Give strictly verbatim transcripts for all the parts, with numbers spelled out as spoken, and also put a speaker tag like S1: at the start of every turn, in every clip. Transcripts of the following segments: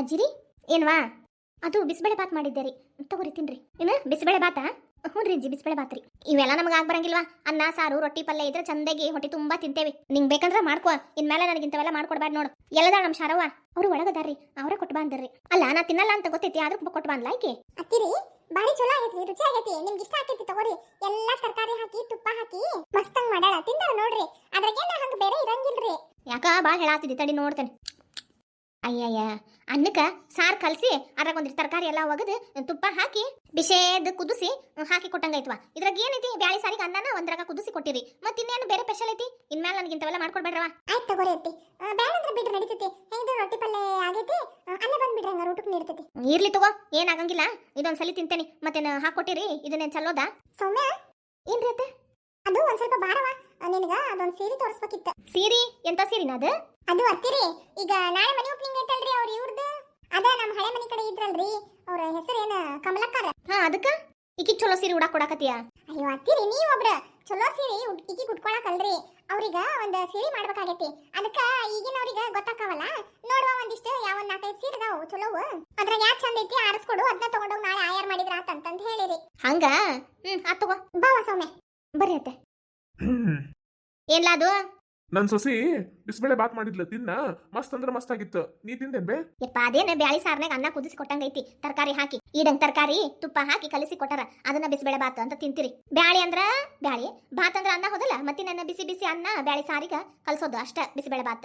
S1: ಅಜ್ಜಿರಿ ಏನ್ವಾ ಅದು ಬಿಸಿಬೇಳೆ ಬಾತ್ ಮಾಡಿದ್ದೆ ರೀ ತಗೋರಿ ತಿನ್ರಿ ಏನು ಬಿಸಿಬೇಳೆ ಬಾತಾ ಹ್ಞೂ ರೀ ಅಜ್ಜಿ ಬಿಸಿಬೇಳೆ ಬಾತ್ ರೀ ಇವೆಲ್ಲ ನಮಗೆ ಆಗ ಬರಂಗಿಲ್ವಾ ಅನ್ನ ಸಾರು ರೊಟ್ಟಿ ಪಲ್ಯ ಇದ್ರೆ ಚಂದಾಗಿ ಹೊಟ್ಟೆ ತುಂಬಾ ತಿಂತೇವಿ ನಿಂಗೆ ಬೇಕಂದ್ರೆ ಮಾಡ್ಕೋ ಇನ್ಮೇಲೆ ನನಗೆ ಇಂಥವೆಲ್ಲ ಮಾಡ್ಕೊಡ್ಬಾರ್ದು ನೋಡು ಎಲ್ಲದ ನಮ್ಮ ಶಾರವ್ವ ಅವರು ಒಳಗದಾರ್ರಿ ಅವರೇ ಕೊಟ್ಟು ಬಂದ್ರಿ ಅಲ್ಲ ನಾ ತಿನ್ನಲ್ಲ ಅಂತ ಗೊತ್ತೈತಿ ಆದ್ರೂ ಕೊಟ್ಟು ಬಂದ್ಲ ಆಯ್ಕೆ
S2: ಅತ್ತಿರಿ ಬಾರಿ ಚಲೋ ಆಗೈತಿ ರುಚಿ ಆಗೈತಿ ನಿಮ್ಗೆ ಇಷ್ಟ ಆಗೈತಿ ತಗೋರಿ ಎಲ್ಲಾ ತರಕಾರಿ ಹಾಕಿ ತುಪ್ಪ ಹಾಕಿ ಮಸ್ತಂಗ್ ಮಾಡ್ಯಾಳ ತಿಂದಾರ ನೋಡ್ರಿ ಅದ್ರಾಗೇನ ಹಂಗ ಬೇರೆ ಇರಂಗಿಲ್ರಿ
S1: ಯಾಕ ಭಾಳ ಹೇಳಾತಿದ್ದಿ ತಡಿ ನೋಡ್ತೇನೆ ಅಯ್ಯಯ್ಯ ಅನ್ನಕ್ಕೆ ಸಾರು ಕಲಸಿ ಅದ್ರಾಗ ಒಂದಿಷ್ಟು ತರಕಾರಿ ಎಲ್ಲ ಒಗದು ತುಪ್ಪ ಹಾಕಿ ಬಿಷೇದ್ ಕುದಿಸಿ ಹಾಕಿ ಕೊಟ್ಟಂಗೈತ್ವಾ ಇದ್ರಾಗ ಏನೈತಿ ಬ್ಯಾಳಿ ಸಾರಿಗೆ ಅನ್ನನ ಒಂದ್ರಾಗ ಕುದಿಸಿ ಕೊಟ್ಟಿರಿ ಮತ್ತೆ ಇನ್ನೇನು ಬೇರೆ ಸ್ಪೆಷಲ್ ಐತಿ ಇನ್ಮೇಲೆ ನನಗೆ ಇಂಥವೆಲ್ಲ ಮಾಡ್ಕೊಡ್ಬೇಡ್ರವ
S2: ಆಯ್ತು ತಗೋರಿ ಅತ್ತಿ ಬ್ಯಾಡ ಅಂದ್ರೆ ಬಿಡ್ರಿ ನಡೀತೈತಿ ಹೆಂಗಿದ್ರು ರೊಟ್ಟಿ ಪಲ್ಯ ಆಗೈತಿ ಅಲ್ಲೇ ಬಂದ್ಬಿಡ್ರಿ ಹಂಗ ಊಟಕ್ಕೆ ನೀಡ್ತೈತಿ
S1: ಇರ್ಲಿ ತಗೋ ಏನಾಗಂಗಿಲ್ಲ ಇದೊಂದ್ಸಲಿ ತಿಂತೇನೆ ಮತ್ತೇನು ಹಾಕೊಟ್ಟಿರಿ ಇದನ್ನೇನು ಚಲೋದಾ
S2: ಸೌಮ್ಯ
S1: ಏನ್ರಿ ಅತ್ತೆ
S2: ಅದು ಒಂದ್ ಸ್ವಲ್ಪ ಬಾರವ ನಿನಗ ಅದೊಂದ್ ಸೀರೆ ತೋರಿಸ್ಬೇಕಿತ್ತು
S1: ಸೀರಿ ಎಂತ ಸೀರಿನ ಅದು
S2: ಅದು ಅತ್ತಿರಿ ಈಗ ನಾಳೆ ಮನೆ ಓಪನಿಂಗ್ ಐತಲ್ರಿ ಅವ್ರ ಇವ್ರದ್ದು ಅದ ನಮ್ಮ ಹಳೆ ಮನೆ ಕಡೆ ಇದ್ರಲ್ರಿ ಅವ್ರ ಹೆಸರು ಏನ ಕಮಲಕ್ಕಾರ
S1: ಹಾ ಅದಕ್ಕ ಈಕಿ ಚಲೋ ಸೀರೆ ಉಡಾಕ್ ಕೊಡಾಕತ್ತೀಯ
S2: ಅಯ್ಯೋ ಅತ್ತಿರಿ ನೀವ್ ಒಬ್ರ ಚಲೋ ಸೀರೆ ಈಕಿ ಕುಟ್ಕೊಳಕಲ್ರಿ ಅವ್ರಿಗ ಒಂದ್ ಸೀರೆ ಮಾಡ್ಬೇಕಾಗೈತಿ ಅದಕ್ಕ ಈಗಿನವ್ರಿಗ ಗೊತ್ತಾಕಾವಲ್ಲ ನೋಡುವ ಒಂದಿಷ್ಟು ಯಾವ ಒಂದ್ ನಾಲ್ಕೈದು ಸೀರೆ ಅದಾವು ಚಲೋವು ಅದ್ರಾಗ ಯಾಕೆ ಚಂದ ಐತಿ ಆರಿಸ್ಕೊಡು ಅದನ್ನ ತಗೊಂಡೋಗಿ ನಾಳೆ ಆಯಾರ್ ಮಾಡಿದ್ರ ಆತಂತಂದ್ ಹೇಳಿರಿ
S1: ಹಂಗ ಹ್ಮ್ ಆತ್ ತಗೋ
S2: ಬಾವ ಸೌಮ್ಯ
S1: ಬರ್ರಿ ಅತ್ತೆ ಏನ್ಲ ಅದು
S3: ನನ್ ಸೊಸಿ ಬಿಸಿಬೇಳೆ ಬಾತ್ ಮಾಡಿದ್ಲ ತಿನ್ನ ಮಸ್ತ್ ಅಂದ್ರ ಮಸ್ತ್ ಆಗಿತ್ತು ನೀ ತಿಂದೇನ್ ಬೇ
S1: ಯಪ್ಪ ಅದೇನ ಬ್ಯಾಳಿ ಸಾರ್ನಾಗ ಅನ್ನ ಕುದಿಸಿ ಕೊಟ್ಟಂಗೈತಿ ತರಕಾರಿ ಹಾಕಿ ಈಡಂಗ್ ತರಕಾರಿ ತುಪ್ಪ ಹಾಕಿ ಕಲಿಸಿ ಕೊಟ್ಟಾರ ಅದನ್ನ ಬಿಸಿಬೇಳೆ ಬಾತ್ ಅಂತ ತಿಂತೀರಿ ಬ್ಯಾಳಿ ಅಂದ್ರ ಬ್ಯಾಳಿ ಬಾತ್ ಅಂದ್ರ ಅನ್ನ ಹೋದಲ್ಲ ಮತ್ತೆ ನನ್ನ ಬಿಸಿ ಬಿಸಿ ಅನ್ನ ಬ್ಯಾಳಿ ಸಾರಿಗ ಕಲ್ಸೋದು ಅಷ್ಟ ಬಿಸಿಬೇಳೆ ಬಾತ್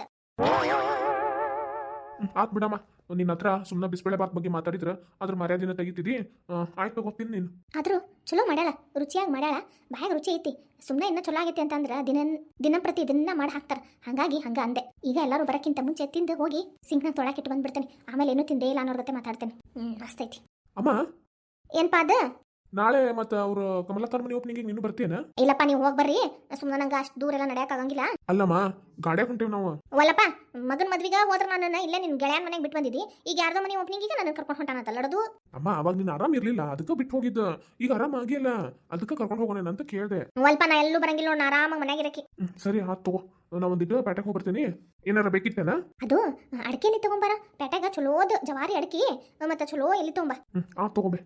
S3: ಆತ್ ಬಿಡಮ್ಮ ನಿನ್ನ ಹತ್ರ ಸುಮ್ಮನೆ ಬಿಸಿಬೇಳೆ ಬಾತ್ ಬಗ್ಗೆ ಮಾತಾಡಿದ್ರ ಅದ್ರ ಮರ್ಯಾದಿನ ತೆಗಿತಿದಿ ಆಯ್ತು ಗೊತ್ತೀನಿ ನೀನು
S1: ಆದ್ರೂ ಚಲೋ ಮಾಡ್ಯಾಳ ರುಚಿಯಾಗಿ ಮಾಡ್ಯಾಳ ಬಾಯಾಗ ರುಚಿ ಐತಿ ಸುಮ್ಮನೆ ಇನ್ನ ಚಲೋ ಆಗೈತಿ ಅಂತಂದ್ರ ದಿನ ದಿನಂಪ್ರತಿ ಇದನ್ನ ಮಾಡಿ ಹಾಕ್ತಾರ ಹಂಗಾಗಿ ಹಂಗ ಅಂದೆ ಈಗ ಎಲ್ಲರೂ ಬರಕ್ಕಿಂತ ಮುಂಚೆ ತಿಂದು ಹೋಗಿ ಸಿಂಕ್ನಾಗ ತೊಳಕಿಟ್ಟು ಬಂದ್ಬಿಡ್ತೇನೆ ಆಮೇಲೆ ಏನು ತಿಂದೇ ಇಲ್ಲ ಅನ್ನೋರ್ ಜೊತೆ ಮಾತಾಡ್ತೇನೆ ಹ್ಮ್ ಮಸ್ತ್ ಐತಿ
S3: ಅಮ್ಮ
S1: ಏನ್ಪಾ ಅದ
S3: ನಾಳೆ ಮತ್ತ ಅವ್ರ ಕಮಲಕ್ಕರ್ ಮನೆ ಓಪನಿಂಗ್ ನೀನು ಬರ್ತೀಯನ
S1: ಇಲ್ಲಪ್ಪ ನೀವು ಹೋಗಿ ಬರ್ರಿ ಸುಮ್ಮನೆ ನಂಗೆ ಅಷ್ಟು ದೂರ ಎಲ್ಲ ನಡೆಯಕ್ ಆಗಂಗಿಲ್ಲ
S3: ಅಲ್ಲಮ್ಮ ಗಾಡ್ಯಾಗ ಹೊಂಟೇವ್ ನಾವು
S1: ಒಲ್ಲಪ್ಪ ಮಗನ ಮದ್ವಿಗ ಹೋದ್ರ ನಾನು ಇಲ್ಲೇ ನಿನ್ ಗೆಳೆಯನ್ ಮನೆಗೆ ಬಿಟ್ಟು ಬಂದಿದ್ದಿ ಈಗ ಯಾರ್ದೋ ಮನೆ ಓಪನಿಂಗ್ ಈಗ ನನ್ನ ಕರ್ಕೊಂಡು ಹೊಂಟಾನಂತ ಲಡದು
S3: ಅಮ್ಮ ಅವಾಗ ನೀನ್ ಆರಾಮ್ ಇರ್ಲಿಲ್ಲ ಅದಕ್ಕ ಬಿಟ್ಟು ಹೋಗಿದ್ದ ಈಗ ಆರಾಮ್ ಆಗಿಲ್ಲ ಅದಕ್ಕ ಕರ್ಕೊಂಡು ಹೋಗೋಣ ಅಂತ ಕೇಳ್ದೆ
S1: ಒಲ್ಪ ನಾ ಎಲ್ಲೂ ಬರಂಗಿಲ್ಲ ನೋಡ್ ನಾ ಆರಾಮಾಗಿ ಮನ್ಯಾಗ ಇರಕ್ಕೆ
S3: ಹ್ಮ್, ಸರಿ ಆತ್ ತಗೋ ನಾ ಒಂದಿಟ್ಟು ಪೇಟೆಗೆ ಹೋಗ್ಬರ್ತೀನಿ ಏನಾರ ಬೇಕಿತ್ತೇನ
S1: ಅದು ಅಡಕೆಲಿ ತಗೊಂಬಾರ ಪೇಟೆಗ ಚಲೋದ್ ಜವಾರಿ ಅಡಕಿ ಮತ್ತೆ ಚಲೋ ಎಲ್ಲಿ ತಗೊಂಬ
S3: ಹ್ಮ್ ಆತ್ ತಗೋಬೆ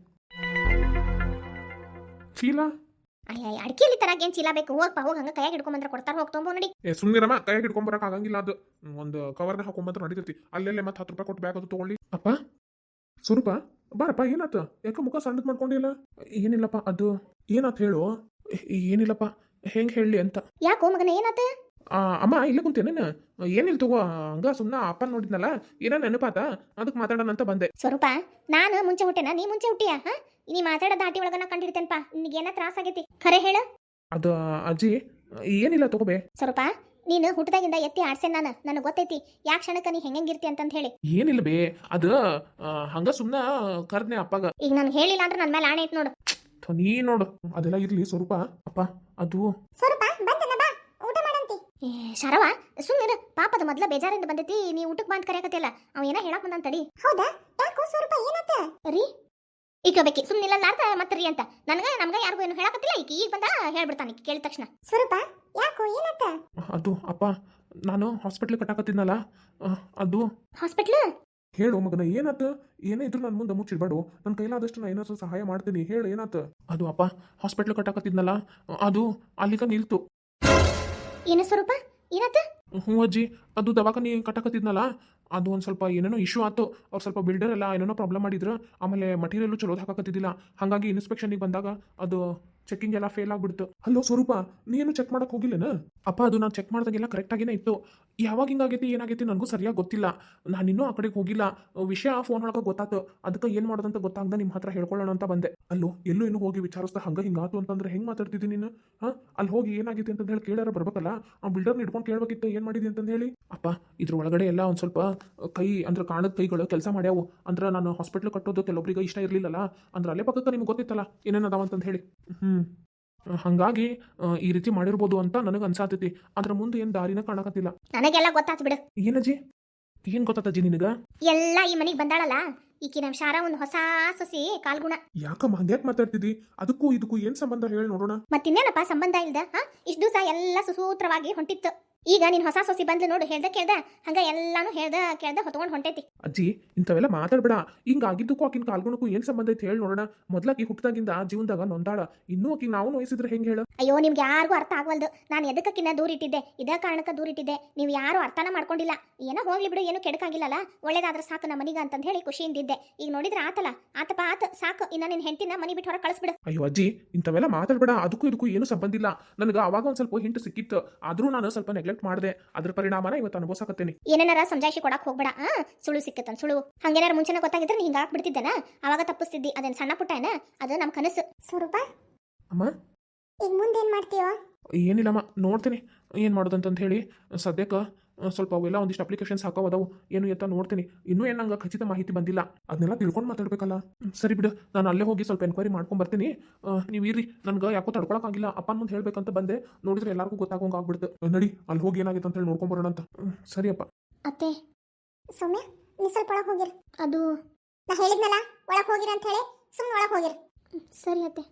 S3: ಚೀಲ
S1: ಅಯ್ಯ ಅಡಕೆಲಿ ತರಾಗ ಏನ್ ಚೀಲ ಬೇಕು ಹೋಗಪ್ಪ ಹೋಗಿ ಹಂಗ ಕೈಯಾಗ ಹಿಡ್ಕೊಂಬಂದ್ರ ಕೊಡ್ತಾರ ಹೋಗಿ ತೊಗೊಂಬೋ ನೋಡಿ
S3: ಏ ಸುಮ್ನಿರಮ್ಮ ಕೈಯಾಗ ಹಿಡ್ಕೊಂಬರಕ್ ಆಗಂಗಿಲ್ಲ ಅದು ಒಂದು ಕವರ್ನ ಹಾಕೊಂಬಂತ್ರ ನಡೀತೈತಿ ಅಲ್ಲೆಲ್ಲೇ ಮತ್ತೆ ಹತ್ತು ರೂಪಾಯಿ ಕೊಟ್ಟು ಬ್ಯಾಗ್ ಅದು ತಗೊಳ್ಳಿ ಅಪ್ಪ ಸ್ವರೂಪ ಬಾರಪ್ಪ ಏನಾತ ಯಾಕ ಮುಖ ಸಣ್ಣದ್ ಮಾಡ್ಕೊಂಡಿಲ್ಲ ಏನಿಲ್ಲಪ್ಪ ಅದು ಏನಾತ್ ಹೇಳು ಏ- ಏನಿಲ್ಲಪ್ಪ ಹೆಂಗ್ ಹೇಳಿ ಅಂತ
S1: ಯಾಕೋ ಮಗನ ಏನಾತ
S3: ಆ, ಅಮ್ಮ ಇಲ್ಲ ಕುಂತೇನೇನ ಏನಿಲ್ಲ ತಗೋ ಹಂಗ ಸುಮ್ಮನೆ ಅಪ್ಪ ನೋಡಿದ್ನಲ್ಲ ಏನೋ ನೆನಪಾತ ಅದಕ್ಕೆ ಮಾತಾಡೋಣ ಅಂತ ಬಂದೆ
S1: ಸ್ವರೂಪ ನಾನು ಮುಂಚೆ ಹುಟ್ಟೆನ ನೀ ಮುಂಚೆ ಹುಟ್ಟಿಯಾ ಹಾ ನೀ ಮಾತಾಡೋ ದಾಟಿ ಒಳಗನ ಕಂಡಿರ್ತೇನಪ್ಪ ನಿನಗೇನ ತ್ರಾಸ ಆಗೈತಿ ಖರೆ ಹೇಳ
S3: ಅದು ಅಜ್ಜಿ ಏನಿಲ್ಲ ತಗೋಬೆ
S1: ಸ್ವರೂಪ ನೀನು ಹುಟ್ಟದಾಗಿಂದ ಎತ್ತಿ ಆಡ್ಸೇನ್ ನಾನು ನನಗೆ ಗೊತ್ತೈತಿ ಯಾಕೆ ಕ್ಷಣಕ್ಕೆ ನೀ ಹೆಂಗಿರ್ತಿ ಅಂತಂತ ಹೇಳಿ
S3: ಏನಿಲ್ಲ ಬೇ ಅದು ಆ, ಹಂಗ ಸುಮ್ಮನೆ ಕರ್ದ್ನೆ ಅಪ್ಪಗ
S1: ಈಗ ನಾನು ಹೇಳಿಲ್ಲ ಅಂದ್ರೆ ನನ್ನ ಮೇಲೆ ಆಣೆ ಐತ್ ನೋಡು
S3: ಥು, ನೀ ನೋಡು ಅದೆಲ್ಲ ಇರ್ಲಿ ಸ್ವರೂಪ ಅಪ್ಪ ಅದು
S2: ಸ್ವಲ್ಪ ಬಂದನ ಬಾ ಊಟ ಮಾಡಂತಿ
S1: ಏ ಶರವ ಸುಮ್ಮನೆ ಪಾಪದ ಮೊದ್ಲ ಬೇಜಾರಿಂದ ಬಂದೈತಿ ನೀ ಊಟಕ್ಕೆ ಬಂದ್ ಕರೆಯಕತ್ತಿಲ್ಲ ಅವ ಏನ ಹೇಳಕ್ ಬಂದಂತ ತಡಿ
S2: ಹೌದಾ ಯಾಕೋ ಸ್ವಲ್ಪ ಏನತ್ತ
S1: ರೀ ಈಗ ಬೇಕಿ ಸುಮ್ಮನಿಲ್ಲ ಅರ್ಥ ಮತ್ತೆ ರೀ ಅಂತ ನನಗ ನಮ್ಗ ಯಾರಿಗೂ ಏನು ಹೇಳಕತ್ತಿಲ್ಲ ಈಗ ಈಗ ಬಂದ ಹೇಳ್ಬಿಡ್ತಾನೆ ಈಕಿ ಕೇಳಿದ ತಕ್ಷಣ
S2: ಸ್ವರೂಪ ಯಾಕೋ ಏನತ್ತ
S3: ಅದು ಅಪ್ಪ ನಾನು ಹಾಸ್ಪಿಟ್ಲ್ ಕಟ್ಟಾಕತ್ತಿದ್ನಲ್ಲ ಆ, ಅದು
S1: ಹಾಸ್ಪಿಟ್ಲ್
S3: ಹೇಳು ಮಗನ ಏನಾತ ಏನೇ ಇದ್ರು ನನ್ನ ಮುಂದೆ ಮುಚ್ಚಿಡ್ಬೇಡು ನನ್ನ ಕೈಲಾದಷ್ಟು ನಾ ಏನಾದ್ರು ಸಹಾಯ ಮಾಡ್ತೀನಿ ಹೇಳು ಏನಾತ ಅದು ಅಪ್ಪ ಹಾಸ್ಪಿಟ್ಲ್ ಕಟ್ಟಾಕತ್ತಿದ್ನಲ್ಲ ಅದು ಅಲ್ಲಿಗ ನಿಲ್ತು
S1: ಏನು ಸ್ವರೂಪ ಏನತ್ತ
S3: ಹ್ಞೂ ಅಜ್ಜಿ ಅದು ದವಾಖಾನಿ ಕಟ್ಟಾಕತ್ತಿದ್ನಲ್ಲ ಅದು ಒಂದು ಸ್ವಲ್ಪ ಏನೇನೋ ಇಶ್ಯೂ ಆಯ್ತು ಅವ್ರು ಸ್ವಲ್ಪ ಬಿಲ್ಡರ್ ಎಲ್ಲ ಏನೇನೋ ಪ್ರಾಬ್ಲಮ್ ಮಾಡಿದ್ರು ಆಮೇಲೆ ಮಟೀರಿಯಲ್ಲು ಚಲೋ ಹಾಕಕತ್ತಿದ್ದಿಲ್ಲ ಹಾಗಾಗಿ ಇನ್ಸ್ಪೆಕ್ಷನಿಗೆ ಬಂದಾಗ ಅದು ಚೆಕಿಂಗ್ ಎಲ್ಲ ಫೇಲ್ ಆಗ್ಬಿಡ್ತು ಹಲೋ ಸ್ವರೂಪ ನೀನು ಚೆಕ್ ಮಾಡಕ್ ಹೋಗಿಲ್ಲೇನ ಅಪ್ಪ ಅದು ನಾನು ಚೆಕ್ ಮಾಡಿದಾಗೆಲ್ಲ ಕರೆಕ್ಟಾಗೇನೆ ಇತ್ತು ಯಾವಾಗ ಹಿಂಗಾಗೈತಿ ಏನಾಗೈತಿ ನನಗೂ ಸರಿಯಾಗಿ ಗೊತ್ತಿಲ್ಲ ನಾನು ಇನ್ನೂ ಆ ಕಡೆಗೆ ಹೋಗಿಲ್ಲ ವಿಷಯ ಫೋನ್ ಒಳಗೆ ಗೊತ್ತಾತು ಅದಕ್ಕೆ ಏನು ಮಾಡೋದಂತ ಗೊತ್ತಾಗ್ದ ನಿಮ್ಮ ಹತ್ರ ಹೇಳ್ಕೊಳ್ಳೋಣ ಅಂತ ಬಂದೆ ಅಲ್ಲೋ ಎಲ್ಲೂ ಇನ್ನೂ ಹೋಗಿ ವಿಚಾರಿಸ್ತಾ ಹಂಗೆ ಹಿಂಗಾತು ಅಂತಂದ್ರೆ ಹೆಂಗೆ ಮಾತಾಡ್ತಿದ್ದಿ ನೀನು ಹಾಂ ಅಲ್ಲಿ ಹೋಗಿ ಏನಾಗೈತಿ ಅಂತ ಹೇಳಿ ಕೇಳಾರ ಬರ್ಬೇಕಲ್ಲ ಆ ಬಿಲ್ಡರ್ನ ಹಿಡ್ಕೊಂಡು ಕೇಳ್ಬೇಕಿತ್ತು ಏನು ಮಾಡಿದಿ ಅಂತಂದು ಹೇಳಿ ಅಪ್ಪ ಇದ್ರ ಒಳಗಡೆ ಎಲ್ಲ ಒಂದು ಸ್ವಲ್ಪ ಕೈ ಅಂದ್ರೆ ಕಾಣದ ಕೈಗಳು ಕೆಲಸ ಮಾಡ್ಯಾವು ಅಂದ್ರೆ ನಾನು ಹಾಸ್ಪಿಟ್ಲ್ ಕಟ್ಟೋದು ಕೆಲವೊಬ್ರಿಗೆ ಇಷ್ಟ ಇರಲಿಲ್ಲಲ್ಲ ಅಂದ್ರೆ ಅಲ್ಲೇ ಪಕ್ಕಕ್ಕೆ ನಿಮ್ಗೆ ಗೊತ್ತಿತ್ತಲ್ಲ ಏನೇನು ಅದಾವ ಅಂತಂದು ಹೇಳಿ ಹ್ಞೂ ಹಾಗಾಗಿ ಆ, ಈ ರೀತಿ ಮಾಡಿರ್ಬೋದು ಅಂತ ನನಗೆ ಅನ್ಸಾತೈತಿ ಅದ್ರ ಮುಂದೆ ಏನು ದಾರಿನ ಕಾಣಕತ್ತಿಲ್ಲ
S1: ನನಗೆಲ್ಲ ಗೊತ್ತಾತ್ ಬಿಡು
S3: ಏನಜ್ಜಿ ಏನು ಗೊತ್ತಾತಜ್ಜಿ ನಿನಗ
S1: ಎಲ್ಲ ಈ ಮನೆಗೆ ಬಂದಾಳಲ್ಲ ಈಕಿ ನಮ್ಮ ಶಾರ ಒಂದು ಹೊಸ ಸೊಸಿ ಕಾಲ್ಗುಣ
S3: ಯಾಕಮ್ಮ ಹಂಗ್ಯಾಕೆ ಮಾತಾಡ್ತಿದ್ದಿ ಅದಕ್ಕೂ ಇದಕ್ಕೂ ಏನು ಸಂಬಂಧ ಹೇಳಿ ನೋಡೋಣ
S1: ಮತ್ತಿನ್ನೇನಪ್ಪ ಸಂಬಂಧ ಇಲ್ದ ಹಾ ಇಷ್ಟು ದಿವಸ ಎಲ್ಲ ಸುಸೂತ್ರವಾಗಿ ಹೊಂಟಿತ್ತು ಈಗ ನಿನ್ ಹೊಸ ಸೊಸಿ ಬಂದ್ಲು ನೋಡು, ಹೇಳ್ದ ಕೇಳ್ದ ಹಂಗ ಎಲ್ಲಾನು ಹೇಳ್ದ ಕೇಳ್ದ ಹೊತ್ಕೊಂಡ್ ಹೊಂಟೈತಿ.
S3: ಅಜ್ಜಿ ಇಂಥವೆಲ್ಲ ಮಾತಾಡ್ಬೇಡ. ಹಿಂಗಾಗಿದ್ದಕ್ಕೂ ಆಕಿನ ಕಾಲ್ಗುಣಕ್ಕೂ ಏನ್ ಸಂಬಂಧ ಐತಿ ಹೇಳಿ ನೋಡೋಣ. ಮೊದ್ಲಾಕಿ ಹುಟ್ಟದಾಗಿಂದ ಜೀವನದಾಗ ನೊಂದಾಳ, ಇನ್ನೂ ಆಕಿ ನಾವು ನೋಯಿಸಿದ್ರೆ ಹೆಂಗ್ ಹೇಳು?
S1: ಅಯ್ಯೋ ನಿಮ್ಗೆ ಯಾರಿಗೂ ಅರ್ಥ ಆಗವಲ್ದು. ನಾನು ಎದಕ್ಕಕ್ಕಿನ್ನ ದೂರ ಇಟ್ಟಿದ್ದೆ, ಇದೇ ಕಾರಣಕ್ಕೆ ದೂರ ಇಟ್ಟಿದ್ದೆ. ನೀವು ಯಾರು ಅರ್ಥನ ಮಾಡ್ಕೊಂಡಿಲ್ಲ. ಏನೋ ಹೋಗ್ಲಿ ಬಿಡು, ಏನು ಕೆಡಕಾಗಿಲ್ಲಲ್ಲ, ಒಳ್ಳೇದಾದ್ರೆ ಸಾಕು ನಮ್ಮ ಮನಿಗ ಅಂತಂದ್ ಹೇಳಿ ಖುಷಿಯಿಂದಿದ್ದೆ. ಈಗ ನೋಡಿದ್ರೆ ಆತಲ್ಲ, ಆತಪ್ಪ ಆತ ಸಾಕು, ಇನ್ನ ನಿನ್ ಹೆಂಡತಿನ ಮನಿ ಬಿಟ್ಟು ಹೊರಗೆ ಕಳಿಸ್ಬಿಡು.
S3: ಅಯ್ಯೋ ಅಜ್ಜಿ ಇಂಥವೆಲ್ಲ ಮಾತಾಡ್ಬೇಡ. ಅದಕ್ಕೂ ಇದಕ್ಕೂ ಏನು ಸಂಬಂಧ ಇಲ್ಲ. ನನಗೆ ಅವಾಗ ಒಂದ್ ಸ್ವಲ್ಪ ಹಿಂಟು ಸಿಕ್ಕಿತ್ತು, ಆದ್ರೂ ನಾನು ಸ್ವಲ್ಪ ನೆಗ್ಲೆಕ್ಟ್ ಮಾಡಿದೆ. ಅದ್ರ ಪರಿಣಾಮನ ಇವತ್ತು ಅನುಭವಿಸಕತ್ತೇನೆ.
S1: ಏನೇನಾರ ಸಮಜಾಯಿಷಿ ಕೊಡಕ್ ಹೋಗ್ಬೇಡ. ಆ ಸುಳು ಸಿಕ್ಕತ್ತನ್ ಸುಳು. ಹಂಗೇನಾರ ಮುಂಚೆನ ಗೊತ್ತಾಗಿದ್ರೆ ಹಿಂಗ ಹಾಕ್ಬಿಡ್ತಿದ್ದೇನ, ಅವಾಗ ತಪ್ಪಿಸ್ತಿದ್ದಿ. ಅದೇನ್ ಸಣ್ಣ ಪುಟ್ಟ ಏನ, ಅದು ನಮ್ ಕನಸು.
S2: ಸ್ವರೂಪ,
S3: ಅಮ್ಮ
S2: ಈಗ ಮುಂದೇನ್ ಮಾಡ್ತೀಯೋ?
S3: ಏನಿಲ್ಲಮ್ಮ, ನೋಡ್ತೀನಿ ಏನು ಮಾಡೋದಂತಂತ ಹೇಳಿ. ಸದ್ಯಕ್ಕೆ ಸ್ವಲ್ಪ ಅವೆಲ್ಲ ಒಂದಿಷ್ಟು ಅಪ್ಲಿಕೇಶನ್ಸ್ ಹಾಕೋವದವು, ಏನು ಅಂತ ನೋಡ್ತೀನಿ. ಇನ್ನೂ ಏನು ನಂಗೆ ಖಚಿತ ಮಾಹಿತಿ ಬಂದಿಲ್ಲ, ಅದನ್ನೆಲ್ಲ ತಿಳ್ಕೊಂಡು ಮಾತಾಡ್ಬೇಕಲ್ಲ. ಸರಿ ಬಿಡು, ನಾನು ಅಲ್ಲೇ ಹೋಗಿ ಸ್ವಲ್ಪ ಎನ್ಕ್ವೈರಿ ಮಾಡ್ಕೊಂಡು ಬರ್ತೀನಿ. ನೀವು ಇರ್ರಿ, ನನಗೆ ಯಾಕೋ ತಡ್ಕೊಳಕ್ಕಾಗಿಲ್ಲ. ಅಪ್ಪನ ಮುಂದೆ ಹೇಳ್ಬೇಕಂತ ಬಂದೆ, ನೋಡಿದ್ರೆ ಎಲ್ಲರಿಗೂ ಗೊತ್ತಾಗೋಂಗೆ ಆಗ್ಬಿಡ್ತು. ನಡಿ ಅಲ್ಲಿ ಹೋಗಿ ಏನಾಗಿತ್ತು ಅಂತ ಹೇಳಿ ನೋಡ್ಕೊಂಬರೋಣ ಅಂತ. ಸರಿಯಪ್ಪ.
S1: ಅತ್ತೆ,
S2: ಸೌಮ್ಯ, ನೀ ಸ್ವಲ್ಪ ಒಳಗೆ ಹೋಗಿರು.
S1: ಅದು
S2: ನಾ ಹೇಳಿದ್ನಲ್ಲ ಒಳಗೆ ಹೋಗಿರ ಅಂತ ಹೇಳಿ, ಸುಮ್ಮನೆ ಒಳಗೆ ಹೋಗಿರು.
S1: ಸರಿ ಅತ್ತೆ.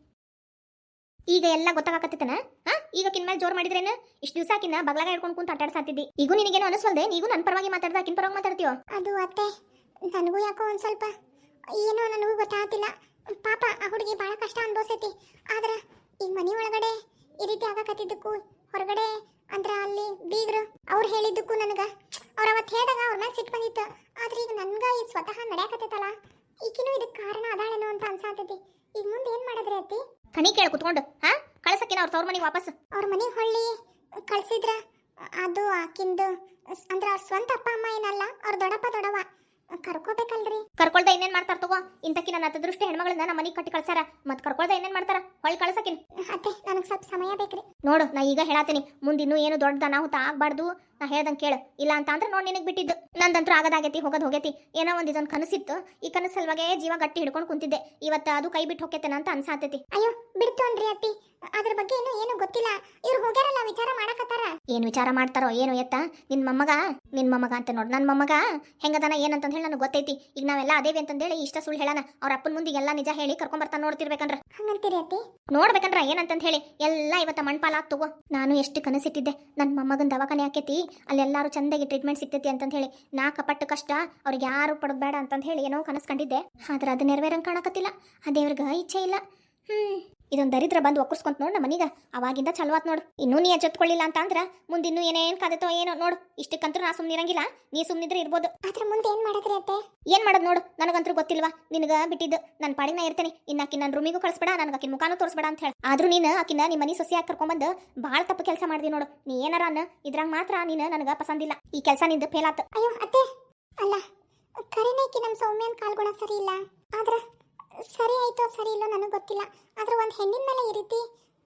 S1: ಈಗ ಎಲ್ಲ ಗೊತ್ತಾಗತ್ತೇನ? ಹಾ, ಈಗ ಕಿನ್ ಮೇಲೆ ಜೋರ್ ಮಾಡಿದ್ರೇನು? ಇಷ್ಟು ದಿವಸ ಆಕಿನ ಬಗ್ಲಾಗ ಹಿಡ್ಕೊಂಡು ಕುಂತ ಆಟಾಡ್ಸಾತಿದ್ದಿ. ಈಗ ನಿನಗೇನು ಅನಿಸ್ವಲ್ದೆ? ನೀವು ನನ್ನ ಪರವಾಗಿ ಮಾತಾಡ್ದ ಆಕಿನ ಪರವಾಗಿ ಮಾತಾಡ್ತೀಯೋ?
S2: ಅದು ಅತ್ತೆ, ನನಗೂ ಯಾಕೋ ಒಂದು ಸ್ವಲ್ಪ ಏನೋ ನನಗೂ ಗೊತ್ತಾಗ್ತಿಲ್ಲ. ಪಾಪ ಆ ಹುಡುಗಿ ಭಾಳ ಕಷ್ಟ ಅನ್ಭವಿಸೈತಿ. ಆದ್ರೆ ಈಗ ಮನೆ ಒಳಗಡೆ ಈ ರೀತಿ ಆಗಕತ್ತಿದ್ದಕ್ಕೂ, ಹೊರಗಡೆ ಅಂದ್ರೆ ಅಲ್ಲಿ ಬೀಗ್ರು ಅವ್ರು ಹೇಳಿದ್ದಕ್ಕೂ ನನಗೆ, ಅವ್ರು ಅವತ್ತು ಹೇಳಿದಾಗ ಅವ್ರ ಮ್ಯಾಗ ಸಿಟ್ಟು ಬಂದಿತ್ತು. ಆದ್ರೆ ಈಗ ನನ್ಗೆ ಈ ಸ್ವತಃ ನಡೆಯಕತ್ತೈತಲ್ಲ, ಈಗಿನೂ ಇದಕ್ಕೆ ಕಾರಣ ಅದಾಳೇನೋ ಅಂತ ಅನ್ಸಾತೈತಿ. ಈಗ ಮುಂದೆ ಏನು ಮಾಡಿದ್ರಿ ಅತ್ತಿ?
S1: ಕಣಿ ಕೇಳ ಕುತ್ಕೊಂಡು, ಹಾ, ಕಳ್ಸಕ್ಕಿನ ಅವ್ರ ತವ್ರ ಮನೆಗೆ ವಾಪಸ್.
S2: ಅವ್ರ ಮನೆಗೆ ಹೊಳ್ಳಿ ಕಳ್ಸಿದ್ರ ಅದು ಆಕಿಂದು ಅಂದ್ರೆ ಅವ್ರ ಸ್ವಂತ ಅಪ್ಪ ಅಮ್ಮ ಏನಲ್ಲ, ಅವ್ರ ದೊಡ್ಡಪ್ಪ ದೊಡ್ಡವ ಕರ್ಕೋಬೇಕಲ್ರಿ.
S1: ಕರ್ಕೊಳ್ದ ಇನ್ನೇನ್ ಮಾಡ್ತಾರ ತಗೋ? ಇಂತಕಿ ನನ್ನ ಹತ್ತದೃಷ್ಟಿ ಹೆಣ್ಮಗಳನ್ನ ನಮ್ಮ ಮನೆಗೆ ಕಟ್ಟಿ ಕಳ್ಸಾರ, ಮತ್ ಕರ್ಕೊಳ್ದ ಇನ್ನೇನ್ ಮಾಡ್ತಾರ? ಹೊಳ್ಳಿ ಕಳ್ಸಕಿನ್.
S2: ಅತ್ತೆ, ನನಗೆ ಸ್ವಲ್ಪ ಸಮಯ ಬೇಕ್ರಿ.
S1: ನೋಡು, ನಾ ಈಗ ಹೇಳತ್ತೀನಿ, ಮುಂದೆ ಇನ್ನೂ ಏನು ದೊಡ್ಡದ ಅನಾಹುತ ಆಗ್ಬಾರ್ದು. ನಾ ಹೇಳ್ದಂಗೆ ಕೇಳು, ಇಲ್ಲ ಅಂತ ಅಂದ್ರೆ ನೋಡಿ ನಿನಗೆ ಬಿಟ್ಟಿದ್ದು. ನಂದಂತೂ ಆಗದಾಗೈತಿ, ಹೋಗೋದು ಹೋಗೈತಿ. ಏನೋ ಒಂದು ಇದೊಂದು ಕನಸಿತ್ತು, ಈ ಕನಸು ಸಲುವಾಗೆ ಜೀವ ಗಟ್ಟಿ ಹಿಡ್ಕೊಂಡು ಕುಂತಿದ್ದೆ. ಇವತ್ತು ಅದು ಕೈ ಬಿಟ್ಟು ಹೋಗ್ತೇನೆ ಅಂತ ಅನ್ಸಾತೈತಿ.
S2: ಅಯ್ಯೋ ಬಿಡ್ತು ಅನ್ರಿ ಅತ್ತಿ, ಅದ್ರ ಬಗ್ಗೆ ಇನ್ನೂ ಏನು ಗೊತ್ತಿಲ್ಲ. ಇವ್ರು ಹೋಗ್ಯಾರಲ್ಲ, ವಿಚಾರ ಮಾಡಕತ್ತಾರ.
S1: ಏನು ವಿಚಾರ ಮಾಡ್ತಾರೋ ಏನು ಎತ್ತ? ನಿನ್ ಮೊಮ್ಮಗ ನಿನ್ ಮೊಮ್ಮಗ ಅಂತ ನೋಡು, ನನ್ನ ಮೊಮ್ಮಗ ಹೆಂಗದನ ಏನಂತ ಹೇಳಿ ನನಗೆ ಗೊತ್ತೈತಿ. ಈಗ ನಾವೆಲ್ಲ ಅದೇವಿ ಅಂತಂದೇಳಿ ಇಷ್ಟ ಸುಳ್ಳು ಹೇಳೋಣ. ಅವ್ರ ಅಪ್ಪನ ಮುಂದೆ ಎಲ್ಲ ನಿಜ ಹೇಳಿ ಕರ್ಕೊಂಡ್ ಬರ್ತಾನೆ ನೋಡ್ತಿರ್ಬೇಕಂದ್ರ.
S2: ಹಂಗಂತೀರಿ ಅತ್ತಿ?
S1: ನೋಡ್ಬೇಕಂದ್ರ ಏನಂತ ಹೇಳಿ ಎಲ್ಲ ಇವತ್ತ ಮಣ್ಪಾಲ ತಗೋ. ನಾನು ಎಷ್ಟು ಕನಸಿಟ್ಟಿದ್ದೆ, ನನ್ನ ಮೊಮ್ಮಗನ ದವಾಖಾನೆ ಆಕೈತಿ, ಅಲ್ಲೆಲ್ಲಾರು ಚಂದಾಗಿ ಟ್ರೀಟ್ಮೆಂಟ್ ಸಿಗ್ತೈತಿ ಅಂತ ಹೇಳಿ. ನಾ ಕಪಟ್ಟು ಕಷ್ಟ ಅವ್ರಿಗೆ ಯಾರು ಪಡೋದು ಬೇಡ ಅಂತ ಹೇಳಿ ಏನೋ ಕನಸ್ಕೊಂಡಿದ್ದೆ. ಆದ್ರೆ ಅದು ನೆರವೇರಂಗೆ ಕಾಣಕತ್ತಿಲ್ಲ. ಆ ದೇವ್ರಿಗೆ ಇಚ್ಛೆ ಇಲ್ಲ. ಹ್ಮ್ ಇದೊಂದು ದರಿದ್ರ ಬಂದು ಒಕ್ಕರ್ಸ್ಕೊಂತ ನೋಡು ನಮ್ಮ ಮನೀಗ. ಅವಾಗಿಂದ ಚಲವಾತ್ ನೋಡು. ಇನ್ನೂ ನೀ ಎಚ್ಚೆತ್ಕೊಳ್ಳಿಲ್ಲ ಅಂತ ಅಂದ್ರೆ ಮುಂದಿನ್ನೂ ಏನೇನು ಕಾದತೋ ಏನೋ ನೋಡು. ಇಷ್ಟಕ್ಕಂತೂ ನಾ ಸುಮ್ಮನಿರಂಗಿಲ್ಲ, ನೀ ಸುಮ್ಮನಿದ್ರೆ ಇರ್ಬೋದು.
S2: ಅದ್ರ ಮುಂದೆ ಏನ್ ಮಾಡಿದ್ರಿ ಅತ್ತೆ?
S1: ಏನ್ ಮಾಡೋದು ನೋಡು, ನನಗಂತೂ ಗೊತ್ತಿಲ್ವಾ, ನಿನಗ ಬಿಟ್ಟಿದ್ದು. ನನ್ನ ಪಾಡಿನ ಇರ್ತೇನೆ. ಇನ್ನು ಆಕಿನ ನನ್ನ ರೂಮಿಗೂ ಕಳಿಸ್ಬೇಡ, ನನಗೆ ಆಕಿನ ಮುಖಾನು ತೋರಿಸ್ಬೇಡ ಅಂತ ಹೇಳಿ. ಆದ್ರೂ ನೀನು ಆಕಿನ ನಿಮ್ಮ ಮನೆ ಸೊಸೆಯಾಗಿ ಕರ್ಕೊಂಡ್ಬಂದು ಭಾಳ ತಪ್ಪು ಕೆಲಸ ಮಾಡಿದಿ ನೋಡು. ನೀ ಏನಾರ ಅನ್ನ ಇದ್ರಾಗ ಮಾತ್ರ ನೀನು ನನಗೆ ಪಸಂದಿಲ್ಲ. ಈ ಕೆಲಸ ನಿಂದು ಫೇಲ್ ಆತು.
S2: ಅಯ್ಯೋ ಅತ್ತೆ, ಅಲ್ಲ ಕರಿನೇಕಿ ನಮ್ಮ ಸೌಮ್ಯನ ಕಾಲ್ಗುಣ ಸರಿ ಇಲ್ಲ. ಆದ್ರೆ ಸರಿ ಆಯ್ತೋ ಸರಿ ಇಲ್ಲೋ ನನಗೆ ಗೊತ್ತಿಲ್ಲ. ಆದ್ರೆ ಒಂದು ಹೆಣ್ಣಿನ ಮೇಲೆ ಈ ರೀತಿ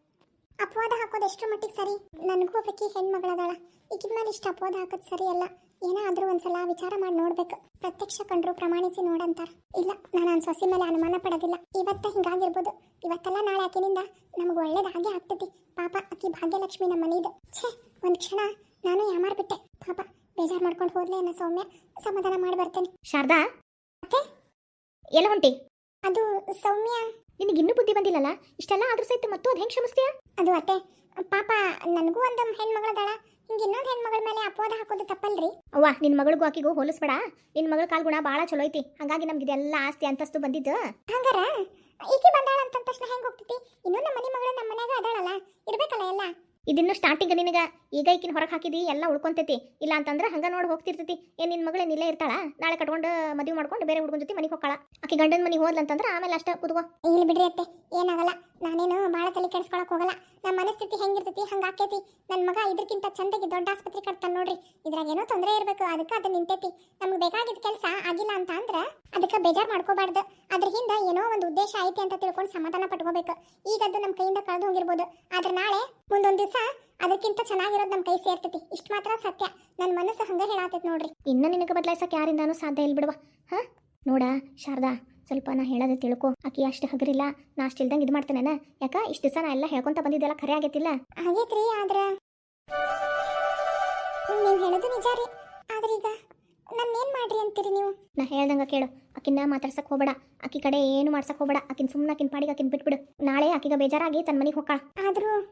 S2: ಅಪವಾದ ಹಾಕೋದು ಎಷ್ಟು ಮಟ್ಟಿಗೆ ಸರಿ? ನನಗೂ ಒಬ್ಬಾಕಿ ಹೆಣ್ಮಗಳದಾಳ, ಈಗಿನ ಮೇಲೆ ಇಷ್ಟು ಅಪವಾದ ಹಾಕೋದು ಸರಿ ಅಲ್ಲ. ಏನಾದರೂ ಒಂದ್ಸಲ ವಿಚಾರ ಮಾಡಿ ನೋಡ್ಬೇಕು. ಪ್ರತ್ಯಕ್ಷ ಕಂಡ್ರು ಪ್ರಮಾಣಿಸಿ ನೋಡಂತಾರ. ಇಲ್ಲ, ನಾನು ನನ್ನ ಸೊಸೆ ಮೇಲೆ ಅನುಮಾನ ಪಡೋದಿಲ್ಲ. ಇವತ್ತ ಹಿಂಗಾಗಿರ್ಬೋದು, ಇವತ್ತೆಲ್ಲ ನಾಳೆ ಆಕಿನಿಂದ ನಮ್ಗೆ ಒಳ್ಳೇದಾಗೆ ಆಗ್ತೈತಿ. ಪಾಪ ಆಕಿ ಭಾಗ್ಯಲಕ್ಷ್ಮಿ ನಮ್ಮ ಮನೆಯದು. ಛೇ, ಒಂದು ಕ್ಷಣ ನಾನು ಯಾಮಾರ್ಬಿಟ್ಟೆ. ಪಾಪ ಬೇಜಾರು ಮಾಡ್ಕೊಂಡು ಹೋದ್ಲೆ ಅನ್ನೋ ಸೌಮ್ಯ, ಸಮಾಧಾನ ಮಾಡಿ ಬರ್ತೇನೆ.
S1: ಶಾರದಾ,
S2: ಅತ್ತೆ
S1: ಎಲ್ಲ ಹೊಂಟಿ?
S2: ಅದು ಸೌಮ್ಯ,
S1: ನಿನಗೆ ಇನ್ನೂ ಬುದ್ಧಿ ಬಂದಿಲ್ಲಲ್ಲ? ಇಷ್ಟೆಲ್ಲ ಆದ್ರೂ ಸಹಿತ ಮತ್ತು ಅದು ಹೆಂಗೆ ಕ್ಷಮಿಸ್ತೀಯ?
S2: ಅದು ಅತ್ತೆ ಪಾಪ ನನಗೂ ಒಂದು ಹೆಣ್ಮಗಳದಾಳ. ಹಿಂಗೆ ಇನ್ನೊಂದು ಹೆಣ್ಮಗಳ ಮೇಲೆ ಅಪವಾದ ಹಾಕೋದು ತಪ್ಪಲ್ರಿ?
S1: ಅವ್ವ, ನಿನ್ನ ಮಗಳಿಗೂ ಆಕಿಗೂ ಹೋಲಿಸ್ಬೇಡ. ನಿನ್ನ ಮಗಳ ಕಾಲ್ಗುಣ ಭಾಳ ಚಲೋ ಐತಿ, ಹಾಗಾಗಿ ನಮ್ಗೆ ಇದೆಲ್ಲ ಆಸ್ತಿ ಅಂತಸ್ತು ಬಂದಿದ್ದು.
S2: ಹಂಗಾರ ಈಕಿ ಬಂದಾಳ ಅಂತ ತಕ್ಷಣ ಹೆಂಗೆ ಹೋಗ್ತೈತಿ? ಇನ್ನೂ ನಮ್ಮ ಮನೆ ಮಗಳು ನಮ್ಮ ಮನ್ಯಾಗ ಅದಾಳಲ್ಲ, ಇರ್ಬೇಕಲ್ಲ ಎಲ್ಲ.
S1: ಇದಿನ್ನು ಸ್ಟಾರ್ಟಿಂಗ್ ನಿನಗ. ಈಗ ಈಕಿನ ಹೊರಗೆ ಹಾಕಿದಿ ಎಲ್ಲ ಉಳ್ಕೊಂತೈತಿ. ಇಲ್ಲ ಅಂತಂದ್ರೆ ಹಂಗ ನೋಡಿ ಹೋಗ್ತಿರ್ತೈತಿ. ಏನ್ ನಿನ್ನ ಮಗಳೇನು ಇಲ್ಲೇ ಇರ್ತಾಳ? ನಾಳೆ ಕಟ್ಕೊಂಡು ಮದುವೆ ಮಾಡ್ಕೊಂಡು ಬೇರೆ ಹುಡುಗನ ಜೊತೆ ಮನೆಗೆ ಹೋಗ್ತಾಳ. ಆಕಿ ಗಂಡನ ಮನೆಗೆ ಹೋದ್ಲಂತಂದ್ರೆ ಆಮೇಲೆ ಅಷ್ಟೇ ಕುದುಗೋ.
S2: ಇಲ್ಲಿ ಬಿಡ್ರಿ ಅತ್ತೆ, ಏನಾಗಲ್ಲ. ನಾನೇನು ಭಾಳ ತಲೆ ಕೆಡಿಸ್ಕೊಳಕ್ ಹೋಗಲ್ಲ. ನಮ್ಮ ಮನಸ್ಥಿತಿ ಹೆಂಗಿರ್ತೈತಿ ಹಂಗೆ ಆಕೈತಿ. ನನ್ನ ಮಗ ಇದಕ್ಕಿಂತ ಚಂದಾಗಿ ದೊಡ್ಡ ಆಸ್ಪತ್ರೆ ಕಟ್ತಾನೆ ನೋಡ್ರಿ. ಇದ್ರಾಗ ಏನೋ ತೊಂದರೆ ಇರಬೇಕು, ಅದಕ್ಕೆ ಅದು ನಿಂತೈತಿ. ನಮ್ಗೆ ಬೇಕಾಗಿದ್ದ ಕೆಲಸ ಆಗಿಲ್ಲ ಅಂತ ಅಂದ್ರೆ ಅದಕ್ಕೆ ಬೇಜಾರು ಮಾಡ್ಕೋಬಾರ್ದು. ಅದ್ರ ಹಿಂದೆ ಏನೋ ಒಂದು ಉದ್ದೇಶ ಐತಿ ಅಂತ ತಿಳ್ಕೊಂಡು ಸಮಾಧಾನ ಪಟ್ಕೋಬೇಕು. ಈಗ ಅದು ನಮ್ಮ ಕೈಯಿಂದ ಕಳೆದು ಹೋಗಿರ್ಬೋದು, ಆದ್ರೆ ನಾಳೆ ಮುಂದೊಂದು ದಿವಸ ಅದಕ್ಕಿಂತ ಚೆನ್ನಾಗಿರೋದು ನಮ್ಮ ಕೈ ಸೇರ್ತೈತಿ. ಇಷ್ಟು ಮಾತ್ರ ಸತ್ಯ. ನನ್ನ ಮನಸ್ಸು ಹಂಗೆ ಹೇಳಾತೈತಿ ನೋಡ್ರಿ.
S1: ಇನ್ನು ನಿನಗೆ ಬದಲಾಯಿಸಕ್ಕೆ ಯಾರಿಂದಾನು ಸಾಧ್ಯ ಇಲ್ಲ ಬಿಡುವ. ಹಾ ನೋಡ ಶಾರದಾ, ಸ್ವಲ್ಪ ನಾ ಹೇಳೋದೇ ತಿಳ್ಕೊ. ಆಕಿ ಅಷ್ಟು ಹಗರಿಲ್ಲ, ನಾ ಅಷ್ಟು ಇಲ್ದಂಗೆ ಇದು ಮಾಡ್ತೇನೆ. ಯಾಕ ಇಷ್ಟು ದಿವಸ ನಾ ಎಲ್ಲ ಹೇಳ್ಕೊಂತ ಬಂದಿದ್ದೆಲ್ಲ ಖರೆ ಆಗೈತಿಲ್ಲ?
S2: ಆಗೈತ್ರಿ, ಆದ್ರೆ ನೀವು ಹೇಳೋದು ನಿಜ ರೀ. ಆದ್ರೆ ಈಗ ನನ್ನ ಏನ್ ಮಾಡ್ರಿ ಅಂತೀರಿ ನೀವು?
S1: ನಾ ಹೇಳ್ದಂಗ ಕೇಳು. ಆಕಿನ ಮಾತಾಡ್ಸಕ್ ಹೋಗ್ಬೇಡ, ಆಕಿ ಕಡೆ ಏನು ಮಾಡ್ಸಕ್ ಹೋಗ್ಬೇಡ. ಆಕಿನ ಸುಮ್ಮನೆ ಆಕಿನ ಪಾಡಿಗೆ ಆಕಿನ ಬಿಟ್ಬಿಡು. ನಾಳೆ ಆಕಿಗ ಬೇಜಾರಾಗಿ ತನ್ನ ಮನೆಗೆ ಹೋಗ್ಕಾಳ.
S2: ಆದ್ರೂ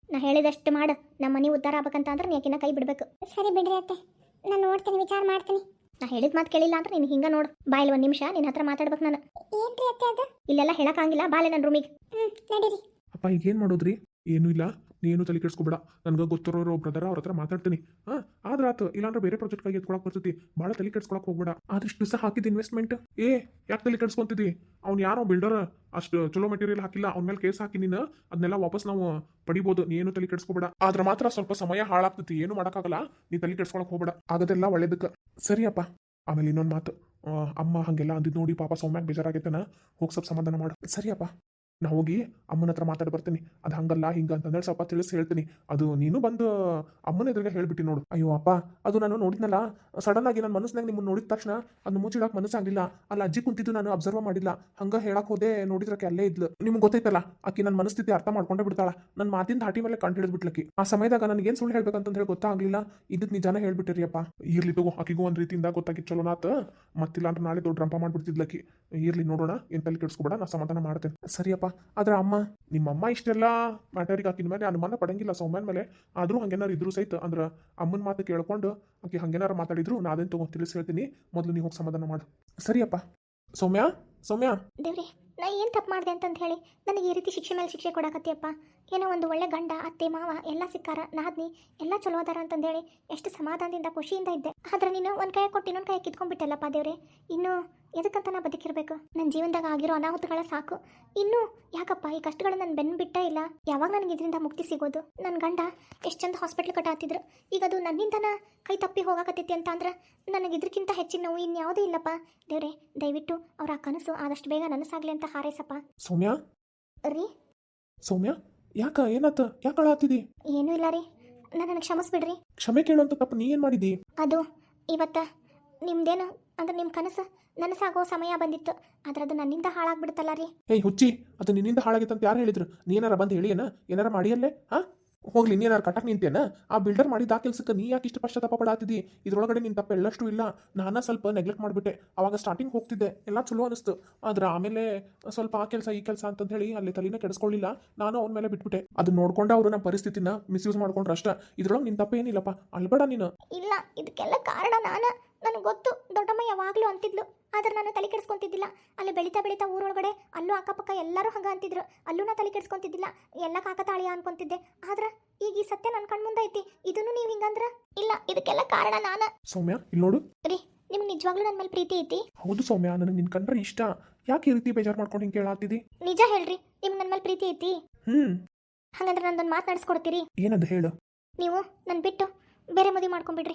S1: ನಾ ಹೇಳಿದಷ್ಟು ಮಾಡು ನಮ್ಮ ಮನೆ ಉದ್ಧಾರ ಆಗ್ಬೇಕಂತ ಅಂದ್ರೆ ನೀ ಆಕಿನ ಕೈ ಬಿಡ್ಬೇಕು.
S2: ಸರಿ ಬಿಡ್ರಿ ಅತ್ತೆ, ನಾನು ನೋಡ್ತೀನಿ, ವಿಚಾರ ಮಾಡ್ತೀನಿ.
S1: ನಾ ಹೇಳಿದ ಮಾತು ಕೇಳಿಲ್ಲ ಅಂದ್ರೆ ನೀನು ಹಿಂಗೆ ನೋಡು. ಬಾಯಲ್ಲಿ ಒಂದು ನಿಮಿಷ ನಿನ್ನ ಹತ್ರ ಮಾತಾಡ್ಬೇಕು ನಾನು.
S2: ಏನ್ರಿ ಅತ್ತೆ ಅದು?
S1: ಇಲ್ಲೆಲ್ಲ ಹೇಳಕ್ಕಾಗಿಲ್ಲ, ಬಾಲೆ ನನ್ನ ರೂಮಿಗೆ.
S2: ಹ್ಮ್ ನಡೀರಿ.
S3: ಅಪ್ಪ ಈಗೇನು ಮಾಡೋದ್ರಿ? ಏನೂ ಇಲ್ಲ, ನೀನು ತಲೆ ಕೆಡಿಸ್ಕೊಬೇಡ. ನನಗೆ ಗೊತ್ತಿರೋರು ಬ್ರದರ್ ಅವ್ರ ಹತ್ರ ಮಾತಾಡ್ತೀನಿ. ಹಾಂ ಆದ್ರೆ ಆತು, ಇಲ್ಲಾಂದ್ರೆ ಬೇರೆ ಪ್ರಾಜೆಕ್ಟ್ಗಾಗಿ ಎತ್ಕೊಳಕ್ಕೆ ಬರ್ತೈತಿ. ಭಾಳ ತಲೆ ಕೆಡ್ಸ್ಕೊಳಕ್ಕೆ ಹೋಗ್ಬೇಡ. ಆದಷ್ಟು ದಿವಸ ಹಾಕಿದ ಇನ್ವೆಸ್ಟ್ಮೆಂಟ್ ಏ ಯಾಕೆ ತಲೆ ಕೆಡ್ಸ್ಕೊಂತಿದ್ದಿ? ಅವ್ನು ಯಾರೋ ಬಿಲ್ಡರ್ ಅಷ್ಟು ಚಲೋ ಮೆಟೀರಿಯಲ್ ಹಾಕಿಲ್ಲ, ಅವ್ನ ಮೇಲೆ ಕೇಸ್ ಹಾಕಿ ನೀನು ಅದನ್ನೆಲ್ಲ ವಾಪಸ್ ನಾವು ಪಡಿಬೋದು. ನೀನು ತಲೆ ಕೆಡ್ಸ್ಕೊಬೇಡ. ಆದ್ರೆ ಮಾತ್ರ ಸ್ವಲ್ಪ ಸಮಯ ಹಾಳಾಗ್ತೈತಿ, ಏನು ಮಾಡೋಕ್ಕಾಗಲ್ಲ. ನೀ ತಲೆ ಕೆಡ್ಸ್ಕೊಳಕ್ಕೆ ಹೋಗ್ಬೇಡ, ಆಗೋದೆಲ್ಲ ಒಳ್ಳೇದಕ್ಕೆ. ಸರಿಯಪ್ಪ. ಆಮೇಲೆ ಇನ್ನೊಂದು ಮಾತು, ಆ, ಅಮ್ಮ ಹಾಗೆಲ್ಲ ಅಂದಿದ್ದು ನೋಡಿ ಪಾಪ ಸೌಮ್ಯಾಗ ಬೇಜಾರಾಗೈತನ, ಹೋಗಿ ಸ್ವಲ್ಪ ಸಮಾಧಾನ ಮಾಡು. ಸರಿಯಪ್ಪ, ನಾ ಹೋಗಿ ಅಮ್ಮನ ಹತ್ರ ಮಾತಾಡಿ ಬರ್ತೀನಿ. ಅದು ಹಂಗಲ್ಲ ಹಿಂಗ ಅಂತಂದೇಳಿ ಸ್ವಲ್ಪ ತಿಳಿಸಿ ಹೇಳ್ತೀನಿ. ಅದು ನೀನು ಬಂದು ಅಮ್ಮನ ಎದುರಿಗೆ ಹೇಳ್ಬಿಟ್ಟು ನೋಡು. ಅಯ್ಯೋ ಅಪ್ಪ, ಅದು ನಾನು ನೋಡಿದ್ನಲ್ಲ ಸಡನ್ ಆಗಿ ನನ್ನ ಮನಸ್ಸಿನಾಗ ನಿಮ್ಮನ್ನು ನೋಡಿದ ತಕ್ಷಣ ಅದನ್ನ ಮುಚ್ಚಿಡಕ್ಕೆ ಮನಸ್ಸಾಗಲಿಲ್ಲ. ಅಲ್ಲಿ ಅಜ್ಜಿ ಕುಂತಿದ್ದು ನಾನು ಅಬ್ಸರ್ವ್ ಮಾಡಿಲ್ಲ. ಹಂಗೆ ಹೇಳಕ್ಕೆ ಹೋದೆ, ನೋಡಿದ್ರಕ್ಕೆ ಅಲ್ಲೇ ಇದ್ಲು. ನಿಮ್ಗೆ ಗೊತ್ತೈತಲ್ಲ ಆಕಿ ನನ್ನ ಮನಸ್ಥಿತಿ ಅರ್ಥ ಮಾಡ್ಕೊಂಡೇ ಬಿಡ್ತಾಳ. ನನ್ನ ಮಾತಿನ ಧಾಟಿ ಮೇಲೆ ಕಂಡು ಹಿಡಿದ್ಬಿಟ್ಲಕ್ಕಿ. ಆ ಸಮಯದಾಗ ನನಗೇನು ಸುಳ್ಳು ಹೇಳ್ಬೇಕಂತ ಹೇಳಿ ಗೊತ್ತಾಗಲಿಲ್ಲ. ಇದಕ್ಕೆ ನಿಜಾನ ಹೇಳ್ಬಿಟ್ಟಿರಿ ಅಪ್ಪ. ಇರ್ಲಿ ತಗೋ, ಆಕಿಗೂ ಒಂದು ರೀತಿಯಿಂದ ಗೊತ್ತಾಗಿತ್ತು ಚಲೋನಾಥ. ಮತ್ತಿಲ್ಲ ಅಂದ್ರೆ ನಾಳೆ ದೊಡ್ಡ ರಂಪ ಮಾಡ್ಬಿಡ್ತಿದ್ಲಕ್ಕಿ. ಇರ್ಲಿ ನೋಡೋಣ, ಏನು ತಲೆ ಕೆಡಿಸ್ಕೊಬೇಡ, ನಾ ಸಮಾಧಾನ ಮಾಡ್ತೇನೆ. ಸರಿಯಪ್ಪ. ಆದ್ರೆ ಅಮ್ಮ, ನಿಮ್ಮಮ್ಮ ಇಷ್ಟೆಲ್ಲ ಮ್ಯಾಟರಿಗೆ ಆಕಿನ ಮೇಲೆ ಅನುಮಾನ ಪಡಂಗಿಲ್ಲ ಸೌಮ್ಯನ ಮೇಲೆ. ಆದರೂ ಹಂಗೇನಾರು ಇದ್ರು ಸಹಿತ ಅಂದ್ರೆ ಅಮ್ಮನ ಮಾತು ಕೇಳ್ಕೊಂಡು ಆಕೆ ಹಂಗೇನಾರು ಮಾತಾಡಿದ್ರು ನಾ ಅದೇನು ತಗೋ ತಿಳಿಸಿ ಹೇಳ್ತೀನಿ. ಮೊದಲು ನೀವು ಹೋಗಿ ಸಮಾಧಾನ ಮಾಡು. ಸರಿಯಪ್ಪ. ಸೌಮ್ಯ, ಸೌಮ್ಯ.
S1: ದೇವ್ರಿ, ನಾ ಏನು ತಪ್ಪು ಮಾಡಿದೆ ಅಂತಂದು ಹೇಳಿ ನನಗೆ ಈ ರೀತಿ ಶಿಕ್ಷೆ ಮೇಲೆ ಶಿಕ್ಷೆ ಕೊಡಕತ್ತಿಯಪ್ಪ. ಏನೋ ಒಂದು ಒಳ್ಳೆ ಗಂಡ, ಅತ್ತೆ, ಮಾವ ಎಲ್ಲ ಸಿಕ್ಕಾರ, ನಾದ್ನಿ ಎಲ್ಲ ಚಲೋ ಅದಾರ ಅಂತಂದೇಳಿ ಎಷ್ಟು ಸಮಾಧಾನದಿಂದ ಖುಷಿಯಿಂದ ಇದ್ದೆ. ಆದ್ರೆ ನೀನು ಒಂದು ಕೈ ಕೊಟ್ಟು ಇನ್ನೊಂದು ಕೈ ಕಿತ್ಕೊಂಡ್ಬಿಟ್ಟಲ್ಲಪ್ಪ ದೇವ್ರೆ. ಇನ್ನು ಎದಕ್ಕಂತ ನಾ ಬದುಕಿರ್ಬೇಕು? ನನ್ನ ಜೀವನದಾಗ ಆಗಿರೋ ಅನಾಹುತಗಳ ಸಾಕು. ಇನ್ನು ಯಾಕಪ್ಪ ಈ ಕಷ್ಟಗಳು ನನ್ನ ಬೆನ್ನು ಬಿಟ್ಟೇ ಇಲ್ಲ? ಯಾವಾಗ ನನಗೆ ಇದರಿಂದ ಮುಕ್ತಿ ಸಿಗೋದು? ನನ್ನ ಗಂಡ ಎಷ್ಟು ಚಂದ ಹಾಸ್ಪಿಟ್ಲ್ ಕಟ್ಟಾತಿದ್ರು, ಈಗ ಅದು ನನ್ನಿಂದನ ಕೈ ತಪ್ಪಿ ಹೋಗಾಕತ್ತೈತಿ ಅಂತ ಅಂದ್ರೆ ನನಗೆ ಇದಕ್ಕಿಂತ ಹೆಚ್ಚಿನ ನೋವು ಇನ್ಯಾವುದೂ ಇಲ್ಲಪ್ಪ. ದೇವ್ರೆ, ದಯವಿಟ್ಟು ಅವ್ರ ಆ ಕನಸು ಆದಷ್ಟು ಬೇಗ ನನಸಾಗ್ಲಿ ಅಂತ ಹಾರೈಸಪ್ಪ.
S3: ಸೌಮ್ಯ
S1: ರೀ
S3: ಸೌಮ್ಯ, ಯಾಕ ಏನಾತ? ಯಾಕೆ ಅಳಾತಿದಿ?
S1: ಏನೂ ಇಲ್ಲ ರೀ, ನನ್ನನ್ನು ಕ್ಷಮಿಸ್ಬಿಡ್ರಿ.
S3: ಕ್ಷಮೆ ಕೇಳುವಂತ ತಪ್ಪು ನೀ ಏನು ಮಾಡಿದಿ?
S1: ಅದು ಇವತ್ತ ನಿಮ್ದೇನು ಅಂದ್ರೆ ನಿಮ್ಮ ಕನಸು ನನಸಾಗೋ ಸಮಯ ಬಂದಿತ್ತು, ಆದ್ರೆ ಅದು ನನ್ನಿಂದ ಹಾಳಾಗ್ಬಿಡ್ತಲ್ಲ ರೀ.
S3: ಏಯ್ ಹುಚ್ಚಿ, ಅದು ನಿನ್ನಿಂದ ಹಾಳಾಗಿತ್ತು ಅಂತ ಯಾರು ಹೇಳಿದ್ರು? ನೀ ಏನಾರ ಬಂದು ಹೇಳಿ ಏನ ಏನಾರ ಮಾಡಿಯಲ್ಲೇ? ಹಾಂ ಹೋಗ್ಲಿ, ನೀ ಏನಾರು ಕಟ್ಟಕ್ಕೆ ನಿಂತೇನ? ಆ ಬಿಲ್ಡರ್ ಮಾಡಿದ ಆ ಕೆಲಸಕ್ಕೆ ನೀ ಯಾಕೆ ಇಷ್ಟು ಪಶ್ಚಾತ್ತಾಪ ಪಡಾತಿದ್ದಿ? ಇದ್ರೊಳಗಡೆ ನಿನ್ನ ತಪ್ಪ ಎಲ್ಲಷ್ಟು ಇಲ್ಲ. ನಾನು ಸ್ವಲ್ಪ ನೆಗ್ಲೆಕ್ಟ್ ಮಾಡಿಬಿಟ್ಟೆ. ಅವಾಗ ಸ್ಟಾರ್ಟಿಂಗ್ ಹೋಗ್ತಿದ್ದೆ, ಎಲ್ಲ ಚಲೋ ಅನಿಸ್ತು. ಆದ್ರೆ ಆಮೇಲೆ ಸ್ವಲ್ಪ ಆ ಕೆಲಸ ಈ ಕೆಲಸ ಅಂತಂದು ಹೇಳಿ ಅಲ್ಲಿ ತಲೆನ ಕೆಡಿಸ್ಕೊಳ್ಳಿಲ್ಲ. ನಾನು ಅವ್ನ ಮೇಲೆ ಬಿಟ್ಬಿಟ್ಟೆ. ಅದು ನೋಡ್ಕೊಂಡು ಅವರು ನಮ್ಮ ಪರಿಸ್ಥಿತಿನ ಮಿಸ್ಯೂಸ್ ಮಾಡ್ಕೊಂಡ್ರೆ ಅಷ್ಟ. ಇದ್ರೊಳಗೆ ನಿನ್ನ ತಪ್ಪ ಏನಿಲ್ಲಪ್ಪ, ಅಲ್ಬೇಡ ನೀನು.
S1: ಇಲ್ಲ, ಇದಕ್ಕೆಲ್ಲ ಕಾರಣ ನಾನು. ನನಗೆ ಗೊತ್ತು, ದೊಡ್ಡಮ್ಮ ಯಾವಾಗಲೂ ಅಂತಿದ್ಲು, ಆದ್ರೆ ನಾನು ತಲೆ ಕೆಡಿಸ್ಕೊಂತಿದ್ದಿಲ್ಲ. ಅಲ್ಲಿ ಬೆಳೀತಾ ಬೆಳೀತಾ ಊರೊಳಗಡೆ ಅಲ್ಲೂ ಅಕ್ಕಪಕ್ಕ ಎಲ್ಲರೂ ಹಂಗ ಅಂತಿದ್ರು, ಅಲ್ಲೂ ನಾ ತಲೆ ಕೆಡಿಸ್ಕೊಂತಿದ್ದಿಲ್ಲ. ಎಲ್ಲ ಕಾಕತಾಳಿಯ ಅನ್ಕೊಂತಿದ್ದೆ. ಆದ್ರೆ ಈಗ ಈ ಸತ್ಯ ನನ್ನ ಕಣ್ಮುಂದೆ ಐತಿ. ಇದನ್ನು ನೀವು ಹಿಂಗಂದ್ರ ಇಲ್ಲ, ಇದಕ್ಕೆಲ್ಲ ಕಾರಣ ನಾನು.
S3: ಸೌಮ್ಯ, ಇಲ್ಲಿ ನೋಡು.
S1: ರೀ, ನಿಮ್ಗೆ ನಿಜವಾಗ್ಲೂ ನನ್ನ ಮೇಲೆ ಪ್ರೀತಿ ಐತಿ?
S3: ಹೌದು ಸೌಮ್ಯ, ನನಗೆ ನಿನ್ ಕಂಡ್ರೆ ಇಷ್ಟ. ಯಾಕೆ ಈ ರೀತಿ ಬೇಜಾರು ಮಾಡ್ಕೊಂಡು ಹಿಂಗೆ ಕೇಳಾತಿದಿ?
S1: ನಿಜ ಹೇಳ್ರಿ, ನಿಮ್ಗೆ ನನ್ನ ಮೇಲೆ ಪ್ರೀತಿ ಐತಿ?
S3: ಹ್ಮ್
S1: ಹಂಗಂದ್ರೆ ನಂದೊಂದು ಮಾತು ನಡೆಸ್ಕೊಡ್ತೀರಿ?
S3: ಏನದು ಹೇಳು.
S1: ನೀವು ನನ್ನ ಬಿಟ್ಟು ಬೇರೆ ಮದುವೆ ಮಾಡ್ಕೊಂಡ್ಬಿಡ್ರಿ.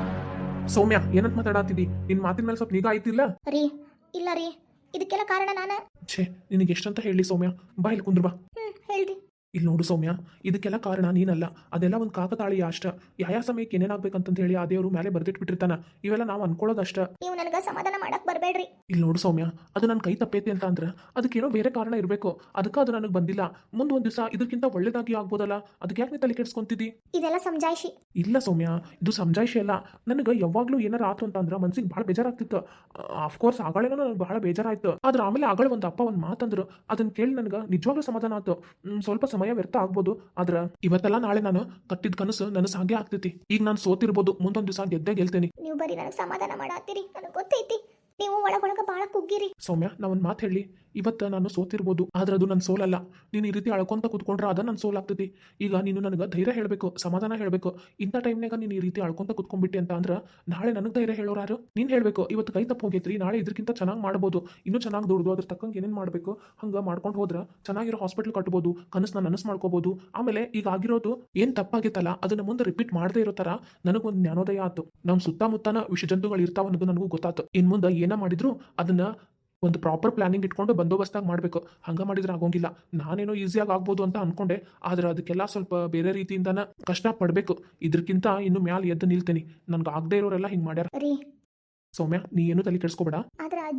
S3: ಸೌಮ್ಯ, ಏನಂತ ಮಾತಾಡಾತಿದಿ? ನಿನ್ ಮಾತಿನ ಮೇಲೆ ಸ್ವಲ್ಪ ನಿಗಾ ಆಯ್ತಿಲ್ಲ?
S1: ರೀ, ಇಲ್ಲ ರೀ, ಇದಕ್ಕೆಲ್ಲ ಕಾರಣ ನಾನು.
S3: ಛೇ, ನಿನಗೆ ಎಷ್ಟಂತ ಹೇಳಿ ಸೌಮ್ಯ? ಬಾ ಇಲ್ಲಿ ಕುಂದ್ರ ಬಾ.
S1: ಹ್ಮ್ ಹೇಳ್ರಿ.
S3: ಇಲ್ಲಿ ನೋಡು ಸೌಮ್ಯ, ಇದಕ್ಕೆಲ್ಲ ಕಾರಣ ನೀನಲ್ಲ. ಅದೆಲ್ಲ ಒಂದು ಕಾಕತಾಳೀಯ ಅಷ್ಟ. ಯಾವ ಸಮಯಕ್ಕೆ ಏನೇನಾಗ್ಬೇಕಂತ ಹೇಳಿ ಆ ದೇವರು ಮೇಲೆ ಬರ್ದಿಟ್ಬಿಟ್ಟಿರ್ತಾನ. ಇವೆಲ್ಲ ನಾವು ಅನ್ಕೊಳ್ಳೋದಷ್ಟ.
S1: ನೀವು ನನಗೆ ಸಮಾಧಾನ ಮಾಡಕ್ ಬರಬೇಡ್ರಿ.
S3: ಇಲ್ಲಿ ನೋಡು ಸೌಮ್ಯ, ಅದು ನನ್ನ ಕೈ ತಪ್ಪೈತಿ ಅಂತ ಅಂದ್ರೆ ಅದಕ್ಕೇನೋ ಬೇರೆ ಕಾರಣ ಇರಬೇಕು. ಅದಕ್ಕೆ ಅದು ನನಗೆ ಬಂದಿಲ್ಲ. ಮುಂದೆ ಒಂದು ದಿವಸ ಇದಕ್ಕಿಂತ ಒಳ್ಳೇದಾಗಿ ಆಗ್ಬೋದಲ್ಲ. ಅದಕ್ಕೆ ಯಾಕೆ ನೀ ತಲೆ ಕೆಡಿಸ್ಕೊಂತಿದ್ದಿ?
S1: ಇದೆಲ್ಲ ಸಮಜಾಯಿಷಿ.
S3: ಇಲ್ಲ ಸೌಮ್ಯ, ಇದು ಸಮಜಾಯಿಷಿ ಅಲ್ಲ. ನನಗೆ ಯಾವಾಗಲೂ ಏನಾರ ಆತು ಅಂತ ಅಂದ್ರೆ ಮನ್ಸಿಗೆ ಭಾಳ ಬೇಜಾರಾಗ್ತಿತ್ತು. ಅಫ್ಕೋರ್ಸ್ ಆಗಳೇನೋ ನನಗೆ ಭಾಳ ಬೇಜಾರಾಯ್ತು. ಆದ್ರೆ ಆಮೇಲೆ ಆಗಳ ಒಂದು ಅಪ್ಪ ಒಂದು ಮಾತಂದ್ರು, ಅದನ್ನ ಕೇಳಿ ನನಗೆ ನಿಜವಾಗ್ಲೂ ಸಮಾಧಾನ ಆಯ್ತು. ಸ್ವಲ್ಪ ಸಮಯ ವ್ಯರ್ಥ ಆಗ್ಬೋದು, ಆದ್ರೆ ಇವತ್ತೆಲ್ಲ ನಾಳೆ ನಾನು ಕಟ್ಟಿದ ಕನಸು ನನಗೆ ಹಾಗೆ ಆಗ್ತೈತಿ. ಈಗ ನಾನು ಸೋತಿರ್ಬೋದು, ಮುಂದೊಂದು ದಿವಸ ಗೆದ್ದೇ ಗೆಲ್ತೇನೆ.
S1: ನೀವು ಬರೀ ನನಗೆ ಸಮಾಧಾನ ಮಾಡಾತ್ತೀರಿ, ನನಗೆ ಗೊತ್ತೈತಿ. ನೀವು ಒಳಗೊಳಗ ಭಾಳ ಕುಗ್ಗಿರಿ.
S3: ಸೌಮ್ಯ, ನಾ ಒಂದು ಮಾತು ಹೇಳಿ, ಇವತ್ತು ನಾನು ಸೋತಿರ್ಬೋದು, ಆದ್ರೆ ಅದು ನನ್ನ ಸೋಲಲ್ಲ. ನೀನು ಈ ರೀತಿ ಅಳ್ಕೊಂತ ಕೂತ್ಕೊಂಡ್ರೆ ಅದು ನನ್ನ ಸೋಲಾಗ್ತೈತಿ. ಈಗ ನೀನು ನನಗೆ ಧೈರ್ಯ ಹೇಳಬೇಕು, ಸಮಾಧಾನ ಹೇಳಬೇಕು. ಇಂಥ ಟೈಮ್ನಾಗ ನೀನು ಈ ರೀತಿ ಅಳ್ಕೊಂತ ಕೂತ್ಕೊಂಡ್ಬಿಟ್ಟೆ ಅಂತ ಅಂದ್ರೆ ನಾಳೆ ನನಗೆ ಧೈರ್ಯ ಹೇಳೋರಾರು? ನೀನು ಹೇಳಬೇಕು, ಇವತ್ತು ಕೈ ತಪ್ಪು ಹೋಗೈತ್ರಿ, ನಾಳೆ ಇದಕ್ಕಿಂತ ಚೆನ್ನಾಗಿ ಮಾಡ್ಬೋದು, ಇನ್ನೂ ಚೆನ್ನಾಗಿ ದುಡ್ದು ಅದ್ರ ತಕ್ಕಂಗೆ ಏನೇನು ಮಾಡಬೇಕು ಹಂಗೆ ಮಾಡ್ಕೊಂಡು ಹೋದ್ರೆ ಚೆನ್ನಾಗಿರೋ ಹಾಸ್ಪಿಟ್ಲ್ ಕಟ್ಬೋದು, ಕನಸನ್ನ ನನಸು ಮಾಡ್ಕೋಬೋದು. ಆಮೇಲೆ ಈಗ ಆಗಿರೋದು ಏನು ತಪ್ಪಾಗಿತ್ತಲ್ಲ ಅದನ್ನು ಮುಂದೆ ರಿಪೀಟ್ ಮಾಡದೇ ಇರೋ ಥರ ನನಗೊಂದು ಜ್ಞಾನೋದಯ ಆಯ್ತು. ನಮ್ಮ ಸುತ್ತಮುತ್ತನ ವಿಷಜಂತುಗಳು ಇರ್ತಾವ ಅನ್ನೋದು ನನಗೂ ಗೊತ್ತಾಯ್ತು. ಇನ್ನು ಮುಂದೆ ಏನ ಮಾಡಿದ್ರು ಅದನ್ನ ಒಂದು ಪ್ರಾಪರ್ ಪ್ಲಾನಿಂಗ್ ಇಟ್ಕೊಂಡು ಬಂದೋಬಸ್ತಾಗಿ ಮಾಡಬೇಕು. ಹಂಗೆ ಮಾಡಿದ್ರೆ ಆಗೋಂಗಿಲ್ಲ. ನಾನೇನೋ ಈಸಿಯಾಗಿ ಆಗ್ಬೋದು ಅಂತ ಅನ್ಕೊಂಡೆ, ಆದ್ರೆ ಅದಕ್ಕೆಲ್ಲ ಸ್ವಲ್ಪ ಬೇರೆ ರೀತಿಯಿಂದನ ಕಷ್ಟ ಪಡಬೇಕು. ಇದಕ್ಕಿಂತ ಇನ್ನು ಮ್ಯಾಲೆ ಎದ್ದು ನಿಲ್ತೇನೆ. ನನ್ಗೆ ಆಗದೆ ಇರೋರೆಲ್ಲ ಹಿಂಗೆ ಮಾಡ್ಯಾರ.
S1: ರೀ
S3: ಸೌಮ್ಯ, ನೀ ಏನು ತಲೆ ಕೆಡಿಸ್ಕೋಬೇಡ.
S1: ಆದ್ರೆ ಅಜ್ಜಿ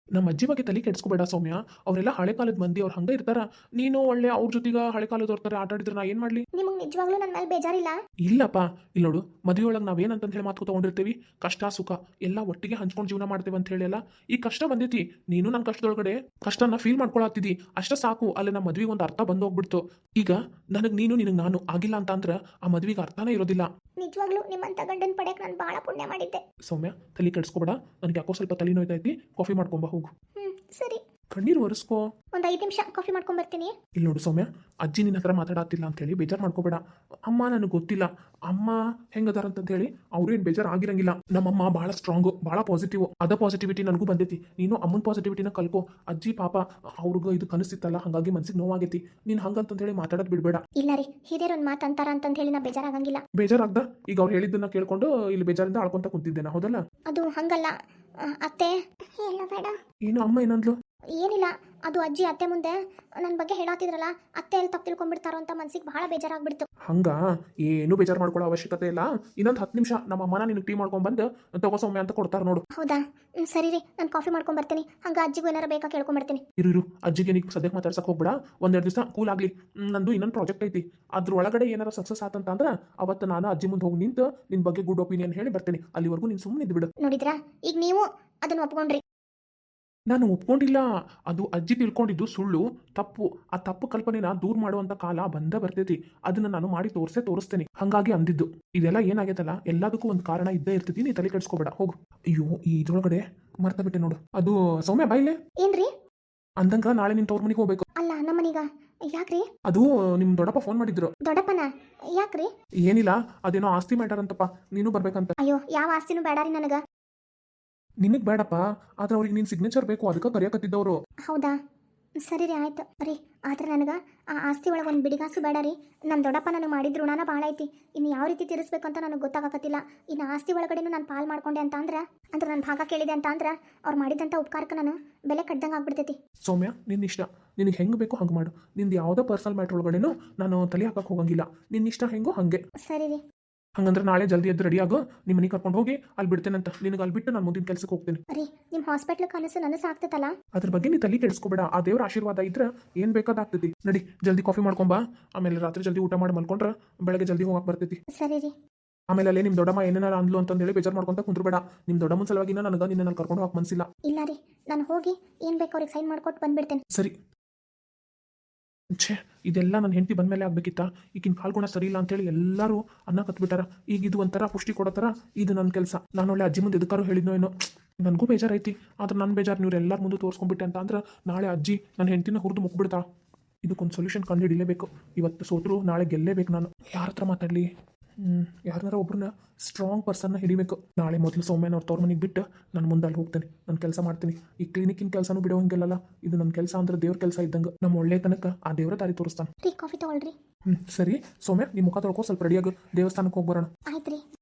S3: ನಮ್ಮ ಅಜ್ಜಿ ಬಗ್ಗೆ ತಲೆ ಕೆಡ್ಸ್ಕೊಬೇಡ ಸೌಮ್ಯ. ಅವರೆಲ್ಲ ಹಳೆ ಕಾಲದ ಮಂದಿ, ಅವ್ರು ಹಂಗೆ ಇರ್ತಾರ. ನೀನು ಒಳ್ಳೆ ಅವ್ರ ಜೊತೆಗೆ ಹಳೆ ಕಾಲದವ್ರ ಥರ ಆಟ ಆಡಿದ್ರೆ ನಾ ಏನು ಮಾಡಲಿ?
S1: ನಿಮಗೆ ನಿಜವಾಗ್ಲೂ ನನ್ನ ಮೇಲೆ ಬೇಜಾರಿಲ್ಲ?
S3: ಇಲ್ಲಪ್ಪ, ಇಲ್ಲಿ ನೋಡು, ಮದುವೆ ಒಳಗೆ ನಾವೇನಂತ ಹೇಳಿ ಮಾತು ತಗೊಂಡಿರ್ತೀವಿ, ಕಷ್ಟ ಸುಖ ಎಲ್ಲ ಒಟ್ಟಿಗೆ ಹಂಚ್ಕೊಂಡು ಜೀವನ ಮಾಡ್ತೇವೆ ಅಂತ ಹೇಳಿ ಅಲ್ಲ. ಈ ಕಷ್ಟ ಬಂದೈತಿ, ನೀನು ನನ್ನ ಕಷ್ಟದೊಳಗಡೆ ಕಷ್ಟನ ಫೀಲ್ ಮಾಡ್ಕೊಳತ್ತಿದ್ದಿ, ಅಷ್ಟ ಸಾಕು. ಅಲ್ಲಿ ನಮ್ಮ ಮದ್ವೆಗೆ ಒಂದು ಅರ್ಥ ಬಂದು ಹೋಗ್ಬಿಡ್ತು. ಈಗ ನನಗೆ ನೀನು, ನಿನಗೆ ನಾನು ಆಗಿಲ್ಲ ಅಂತ ಅಂದ್ರೆ ಆ ಮದ್ವೆಗೆ ಅರ್ಥನೇ ಇರೋದಿಲ್ಲ.
S1: ನಿಜವಾಗ್ಲೂ ನಿಮ್ಮಂತ ಗಂಡನ ಪಡೆಯಕ್ಕೆ ನಾನು ಭಾಳ ಪುಣ್ಯ ಮಾಡಿದ್ದೆ.
S3: ಸೌಮ್ಯ, ತಲೆ ಕೆಡ್ಸ್ಕೊಬೇಡ. ನನಗೆ ಯಾಕೋ ಸ್ವಲ್ಪ ತಲೆ ನೋಯ್ತೈತಿ, ಕಾಫಿ ಮಾಡ್ಕೊಂಬ ಹೋಗು.
S1: ಹ್ಞೂ ಸರಿ,
S3: ಕಣ್ಣೀರು ಒರೆಸ್ಕೋ.
S1: ಒಂದು ಐದು ನಿಮಿಷ ಕಾಫಿ ಮಾಡ್ಕೊಂಬರ್ತೀನಿ.
S3: ಇಲ್ಲಿ ನೋಡು ಸೌಮ್ಯ, ಅಜ್ಜಿ ನಿನ್ನ ಹತ್ರ ಮಾತಾಡತ್ತಿಲ್ಲ ಅಂತೇಳಿ ಬೇಜಾರು ಮಾಡ್ಕೋಬೇಡ. ಅಮ್ಮ ನನಗೆ ಗೊತ್ತಿಲ್ಲ ಅಮ್ಮ ಹೆಂಗದಾರ ಅಂತ ಹೇಳಿ, ಅವ್ರು ಏನು ಬೇಜಾರು ಆಗಿರಂಗಿಲ್ಲ. ನಮ್ಮಮ್ಮ ಭಾಳ ಸ್ಟ್ರಾಂಗು, ಭಾಳ ಪಾಸಿಟಿವ್. ಅದ ಪಾಸಿಟಿವಿಟಿ ನನಗೂ ಬಂದೈತಿ. ನೀನು ಅಮ್ಮನ ಪಾಸಿಟಿವಿಟಿನ ಕಲ್ಕೋ. ಅಜ್ಜಿ ಪಾಪ ಅವ್ರಿಗೆ ಇದು ಕನಸಿತ್ತಲ್ಲ, ಹಾಗಾಗಿ ಮನ್ಸಿಗೆ ನೋವಾಗೈತಿ. ನೀನು ಹಂಗಂತ ಹೇಳಿ ಮಾತಾಡೋದು ಬಿಡಬೇಡ.
S1: ಇಲ್ಲ ರೀ, ಹಿರಿಯರು ಒಂದು ಮಾತು ಅಂತಾರ ಅಂತ ಹೇಳಿ ನಾ ಬೇಜಾರಾಗಂಗಿಲ್ಲ.
S3: ಬೇಜಾರಾಗ್ದ? ಈಗ ಅವ್ರು ಹೇಳಿದ್ದನ್ನ ಕೇಳ್ಕೊಂಡು ಇಲ್ಲಿ ಬೇಜಾರಿಂದ ಆಳ್ಕೊಂತ ಕುಂತಿದ್ದೇನೆ, ಹೌದಲ್ಲ?
S1: ಅದು ಹಂಗಲ್ಲ ಆ, ಅತ್ತೆ.
S2: ಹೇಳು ಬೇಡ.
S3: ಏನು ಅಮ್ಮ ಏನಂದ್ಲು?
S1: ಏನಿಲ್ಲ, ಅದು ಅಜ್ಜಿ ಅತ್ತೆ ಮುಂದೆ ನನ್ನ ಬಗ್ಗೆ ಹೇಳಾತಿದ್ರಲ್ಲ, ಅತ್ತೆ ಎಲ್ಲಿ ತಪ್ಪು ತಿಳ್ಕೊಂಡ್ಬಿಡ್ತಾರೋ ಅಂತ ಮನ್ಸಿಗೆ ಭಾಳ ಬೇಜಾರಾಗ್ಬಿಡ್ತು.
S3: ಹಂಗ ಏನು ಬೇಜಾರು ಮಾಡ್ಕೊಳ್ಳೋ ಅವಶ್ಯಕತೆ ಇಲ್ಲ. ಇನ್ನೊಂದು ಹತ್ತು ನಿಮಿಷ ನಮ್ಮ ಅಮ್ಮನ ನಿನಗೆ ಟೀ ಮಾಡ್ಕೊಂಡ್ ಬಂದು ತಗೋ ಸೌಮ್ಯ ಅಂತ ಕೊಡ್ತಾರೆ ನೋಡು.
S1: ಹೌದಾ? ಹ್ಮ್, ಸರಿ ರೀ, ನಾನು ಕಾಫಿ ಮಾಡ್ಕೊಂಡ್ ಬರ್ತೀನಿ. ಹಂಗ ಅಜ್ಜಿಗೂ ಏನಾರ ಬೇಕಾ ಕೇಳ್ಕೊಂಬರ್ತೀನಿ.
S3: ಇರು ಇರು, ಅಜ್ಜಿಗೆ ನೀನು ಸದ್ಯಕ್ಕೆ ಮಾತಾಡ್ಸಕ್ಕೆ ಹೋಗ್ಬೇಡ. ಒಂದೆರಡು ದಿವಸ ಕೂಲ್ ಆಗಲಿ. ನಂದು ಇನ್ನೊಂದು ಪ್ರಾಜೆಕ್ಟ್ ಐತಿ, ಅದ್ರ ಒಳಗಡೆ ಏನಾರ ಸಕ್ಸಸ್ ಆತಂತ ಅಂದ್ರೆ ಅವತ್ತು ನಾನು ಅಜ್ಜಿ ಮುಂದೆ ಹೋಗಿ ನಿಂತು ನಿನ್ನ ಬಗ್ಗೆ ಗುಡ್ ಒಪಿನಿಯನ್ ಹೇಳಿ ಬರ್ತೀನಿ. ಅಲ್ಲಿವರೆಗೂ ನೀನು ಸುಮ್ಮನೆ ಇದ್ದು ಬಿಡು.
S1: ನೋಡಿದ್ರಾ, ಈಗ ನೀವು ಅದನ್ನ ಒಪ್ಕೊಂಡ್ರಿ.
S3: ನಾನು ಒಪ್ಕೊಂಡಿಲ್ಲ, ಅದು ಅಜ್ಜಿ ತಿಳ್ಕೊಂಡಿದ್ದು ಸುಳ್ಳು, ತಪ್ಪು. ಆ ತಪ್ಪು ಕಲ್ಪನೆನ ದೂರ ಮಾಡುವಂತ ಕಾಲ ಬಂದ ಬರ್ತೈತಿ. ಅದನ್ನ ನಾನು ಮಾಡಿ ತೋರಿಸೇ ತೋರಿಸ್ತೇನೆ. ಹಂಗಾಗಿ ಅಂದಿದ್ದು. ಇದೆಲ್ಲ ಏನಾಗೈತಲ್ಲ, ಎಲ್ಲದಕ್ಕೂ ಒಂದು ಕಾರಣ ಇದ್ದೇ ಇರ್ತೈತಿ. ನೀ ತಲೆ ಕೆಡ್ಸ್ಕೊಬೇಡ, ಹೋಗು. ಅಯ್ಯೋ, ಈ ಇದ್ರೊಳಗಡೆ ಮರ್ತ ಬಿಟ್ಟೆ ನೋಡು. ಅದು ಸೌಮ್ಯ ಬಾಯಿಲೆ
S1: ಏನ್ರಿ?
S3: ಅಂದಂಗ ನಾಳೆ ನಿನ್ ತವ್ರ ಮನೆಗೆ ಹೋಗ್ಬೇಕು.
S1: ಅಲ್ಲ, ನಮ್ಮನೀಗ ಯಾಕ್ರಿ?
S3: ಅದು ನಿಮ್ ದೊಡ್ಡಪ್ಪ ಫೋನ್ ಮಾಡಿದ್ರು.
S1: ದೊಡ್ಡಪ್ಪನ? ಯಾಕ್ರಿ?
S3: ಏನಿಲ್ಲ, ಅದೇನೋ ಆಸ್ತಿ ಮ್ಯಾಟರ್ ಅಂತಪ್ಪ, ನೀನು ಬರ್ಬೇಕಂತ.
S1: ಅಯ್ಯೋ, ಯಾವ ಆಸ್ತಿನೂ ಬೇಡಾರಿ ನನಗ.
S3: ನಿನಗ್ ಬೇಡಪ್ಪ, ಆದ್ರೆ ಅವ್ರಿಗೆ ನಿನ್ ಸಿಗ್ನೇಚರ್ ಬೇಕು, ಅದಕ್ಕೆ ಕರೆಯಕತ್ತಿದ್ದವರು.
S1: ಹೌದಾ? ಸರಿ ರೀ, ಆಯ್ತು ರೀ. ಆದ್ರೆ ನನಗೆ ಆ ಆಸ್ತಿ ಒಳಗೆ ಒಂದು ಬಿಡಿಗಾಸು ಬೇಡ ರೀ. ನಮ್ಮ ದೊಡ್ಡಪ್ಪ ನನಗೆ ಮಾಡಿದ ಋಣನ ಭಾಳ ಐತಿ. ಇನ್ನು ಯಾವ ರೀತಿ ತೀರಿಸ್ಬೇಕು ಅಂತ ನನಗೆ ಗೊತ್ತಾಗಕತ್ತಿಲ್ಲ. ಇನ್ನು ಆಸ್ತಿ ಒಳಗಡೆನೂ ನಾನು ಪಾಲ್ ಮಾಡ್ಕೊಂಡೆ ಅಂತ ಅಂದ್ರೆ, ಅಂದ್ರೆ ನನ್ನ ಭಾಗ ಕೇಳಿದೆ ಅಂತ ಅಂದ್ರೆ, ಅವ್ರು ಮಾಡಿದಂಥ ಉಪಕಾರಕ್ಕೆ ನಾನು ಬೆಲೆ ಕಟ್ದಂಗೆ ಆಗ್ಬಿಡ್ತೈತಿ.
S3: ಸೌಮ್ಯ, ನಿನ್ನ ಇಷ್ಟ. ನಿನಗೆ ಹೆಂಗೆ ಬೇಕೋ ಹಂಗೆ ಮಾಡು. ನಿಂದು ಯಾವುದೋ ಪರ್ಸನಲ್ ಮ್ಯಾಟ್ರ್ ಒಳಗಡೆನೂ ನಾನು ತಲೆ ಹಾಕಕ್ಕೆ ಹೋಗಂಗಿಲ್ಲ. ನಿನ್ನ ಇಷ್ಟ ಹೆಂಗೋ ಹಂಗೆ.
S1: ಸರಿ ರೀ.
S3: ಹಂಗಂದ್ರೆ ನಾಳೆ ಜಲ್ದಿ ಎದ್ದು ರೆಡಿ ಆಗೋ, ನಿಮ್ಮ ಮನೆಗೆ ಕರ್ಕೊಂಡು ಹೋಗಿ ಅಲ್ಲಿ ಬಿಡ್ತೇನಂತ. ನಿನಗೆ ಅಲ್ಲಿ ಬಿಟ್ಟು ನಾನು ಮುಂದಿನ ಕೆಲಸಕ್ಕೆ ಹೋಗ್ತೀನಿ.
S1: ರೀ, ನಿಮ್ಮ ಹಾಸ್ಪಿಟ್ಲ್ ಕನಸು ನನಸು ಆಗ್ತೈತಲ್ಲ?
S3: ಅದ್ರ ಬಗ್ಗೆ ನೀ ತಲೆ ಕೆಡಿಸ್ಕೋಬೇಡ. ಆ ದೇವ್ರ ಆಶೀರ್ವಾದ ಇದ್ರೆ ಏನು ಬೇಕಾದಾಗ್ತೈತಿ. ನಡಿ, ಜಲ್ದಿ ಕಾಫಿ ಮಾಡ್ಕೊಂಬಾ. ಆಮೇಲೆ ರಾತ್ರಿ ಜಲ್ದಿ ಊಟ ಮಾಡಿ ಮಲ್ಕೊಂಡ್ರೆ ಬೆಳಗ್ಗೆ ಜಲ್ದಿ ಹೋಗಕ್ಕೆ ಬರ್ತೈತಿ.
S1: ಸರಿ ರೀ.
S3: ಆಮೇಲೆ ಅಲ್ಲೇ ನಿಮ್ಮ ದೊಡ್ಡಮ್ಮ ಏನೇನಾರ ಅಂದ್ಲು ಅಂತಂದೇಳಿ ಬೇಜಾರು ಮಾಡ್ಕೊಂತ ಕುಂದ್ರಬೇಡ. ನಿಮ್ಮ ದೊಡ್ಡಮ್ಮನ ಸಲುವಾಗಿನ ನನಗೆ ನಿನ್ನ ಕರ್ಕೊಂಡು ಹೋಗಕ್ಕೆ ಮನಸ್ಸಿಲ್ಲ.
S1: ಇಲ್ಲ ರೀ, ನಾನು ಹೋಗಿ ಏನು ಬೇಕು ಅವ್ರಿಗೆ ಸೈನ್ ಮಾಡ್ಕೊಟ್ಟು ಬಂದ್ಬಿಡ್ತೇನೆ.
S3: ಸರಿ. ಛೇ, ಇದೆಲ್ಲ ನನ್ನ ಹೆಂಡತಿ ಬಂದಮೇಲೆ ಆಗ್ಬೇಕಿತ್ತ. ಈಗಿನ ಕಾಲ್ಗುಣ ಸರಿ ಇಲ್ಲ ಅಂತೇಳಿ ಎಲ್ಲರೂ ಅನ್ನ ಕತ್ಬಿಟ್ಟಾರ. ಈಗ ಇದು ಒಂಥರ ಪುಷ್ಟಿ ಕೊಡೋ ಥರ ಇದು ನನ್ನ ಕೆಲಸ. ನಾನು ಒಳ್ಳೆ ಅಜ್ಜಿ ಮುಂದೆ ಎದಕ್ಕಾರು ಹೇಳಿದ್ನೋ ಏನೋ. ನನಗೂ ಬೇಜಾರೈತಿ. ಆದ್ರೆ ನನ್ನ ಬೇಜಾರು ನೀವು ಎಲ್ಲರ ಮುಂದೆ ತೋರಿಸ್ಕೊಂಡ್ಬಿಟ್ಟೆ ಅಂತ ಅಂದ್ರೆ ನಾಳೆ ಅಜ್ಜಿ ನನ್ನ ಹೆಂಡತಿನ ಹುರಿದು ಮುಗ್ಬಿಡ್ತಾಳ. ಇದಕ್ಕೊಂದು ಸೊಲ್ಯೂಷನ್ ಕಂಡು ಹಿಡಿಲೇಬೇಕು. ಇವತ್ತು ಸೋತ್ರು ನಾಳೆ ಗೆಲ್ಲೇಬೇಕು. ನಾನು ಯಾರ ಹತ್ರ ಮಾತಾಡಲಿ? ಹ್ಞೂ ಯಾರನ್ನಾರ ಒಬ್ಬರನ್ನ ಸ್ಟ್ರಾಂಗ್ ಪರ್ಸನ್ನ ಹಿಡಿಬೇಕು. ನಾಳೆ ಮೊದಲು ಸೌಮ್ಯನ ಅವ್ರ ತವ್ರ ಮನೆಗೆ ಬಿಟ್ಟು ನಾನು ಮುಂದೆ ಅಲ್ಲಿ ಹೋಗ್ತೇನೆ. ನಾನು ಕೆಲಸ ಮಾಡ್ತೀನಿ. ಈ ಕ್ಲಿನಿಕ್ಕಿನ ಕೆಲಸನೂ ಬಿಡೋಂಗಿಲ್ಲಲ್ಲ. ಇದು ನನ್ನ ಕೆಲಸ ಅಂದ್ರೆ ದೇವ್ರ ಕೆಲಸ ಇದ್ದಂಗೆ. ನಮ್ಮ ಒಳ್ಳೆ ತನಕ ಆ ದೇವರ ದಾರಿ ತೋರಿಸ್ತಾನೆ.
S1: ರೀ, ಕಾಫಿ ತಗೊಳ್ರಿ.
S3: ಹ್ಞೂ ಸರಿ. ಸೌಮ್ಯ, ನಿಮ್ಮ ಮುಖ ತೊಳ್ಕೊ, ಸ್ವಲ್ಪ ರೆಡಿಯಾಗಿ ದೇವಸ್ಥಾನಕ್ಕೆ ಹೋಗಿ ಬರೋಣ.
S1: ಆಯ್ತು ರೀ.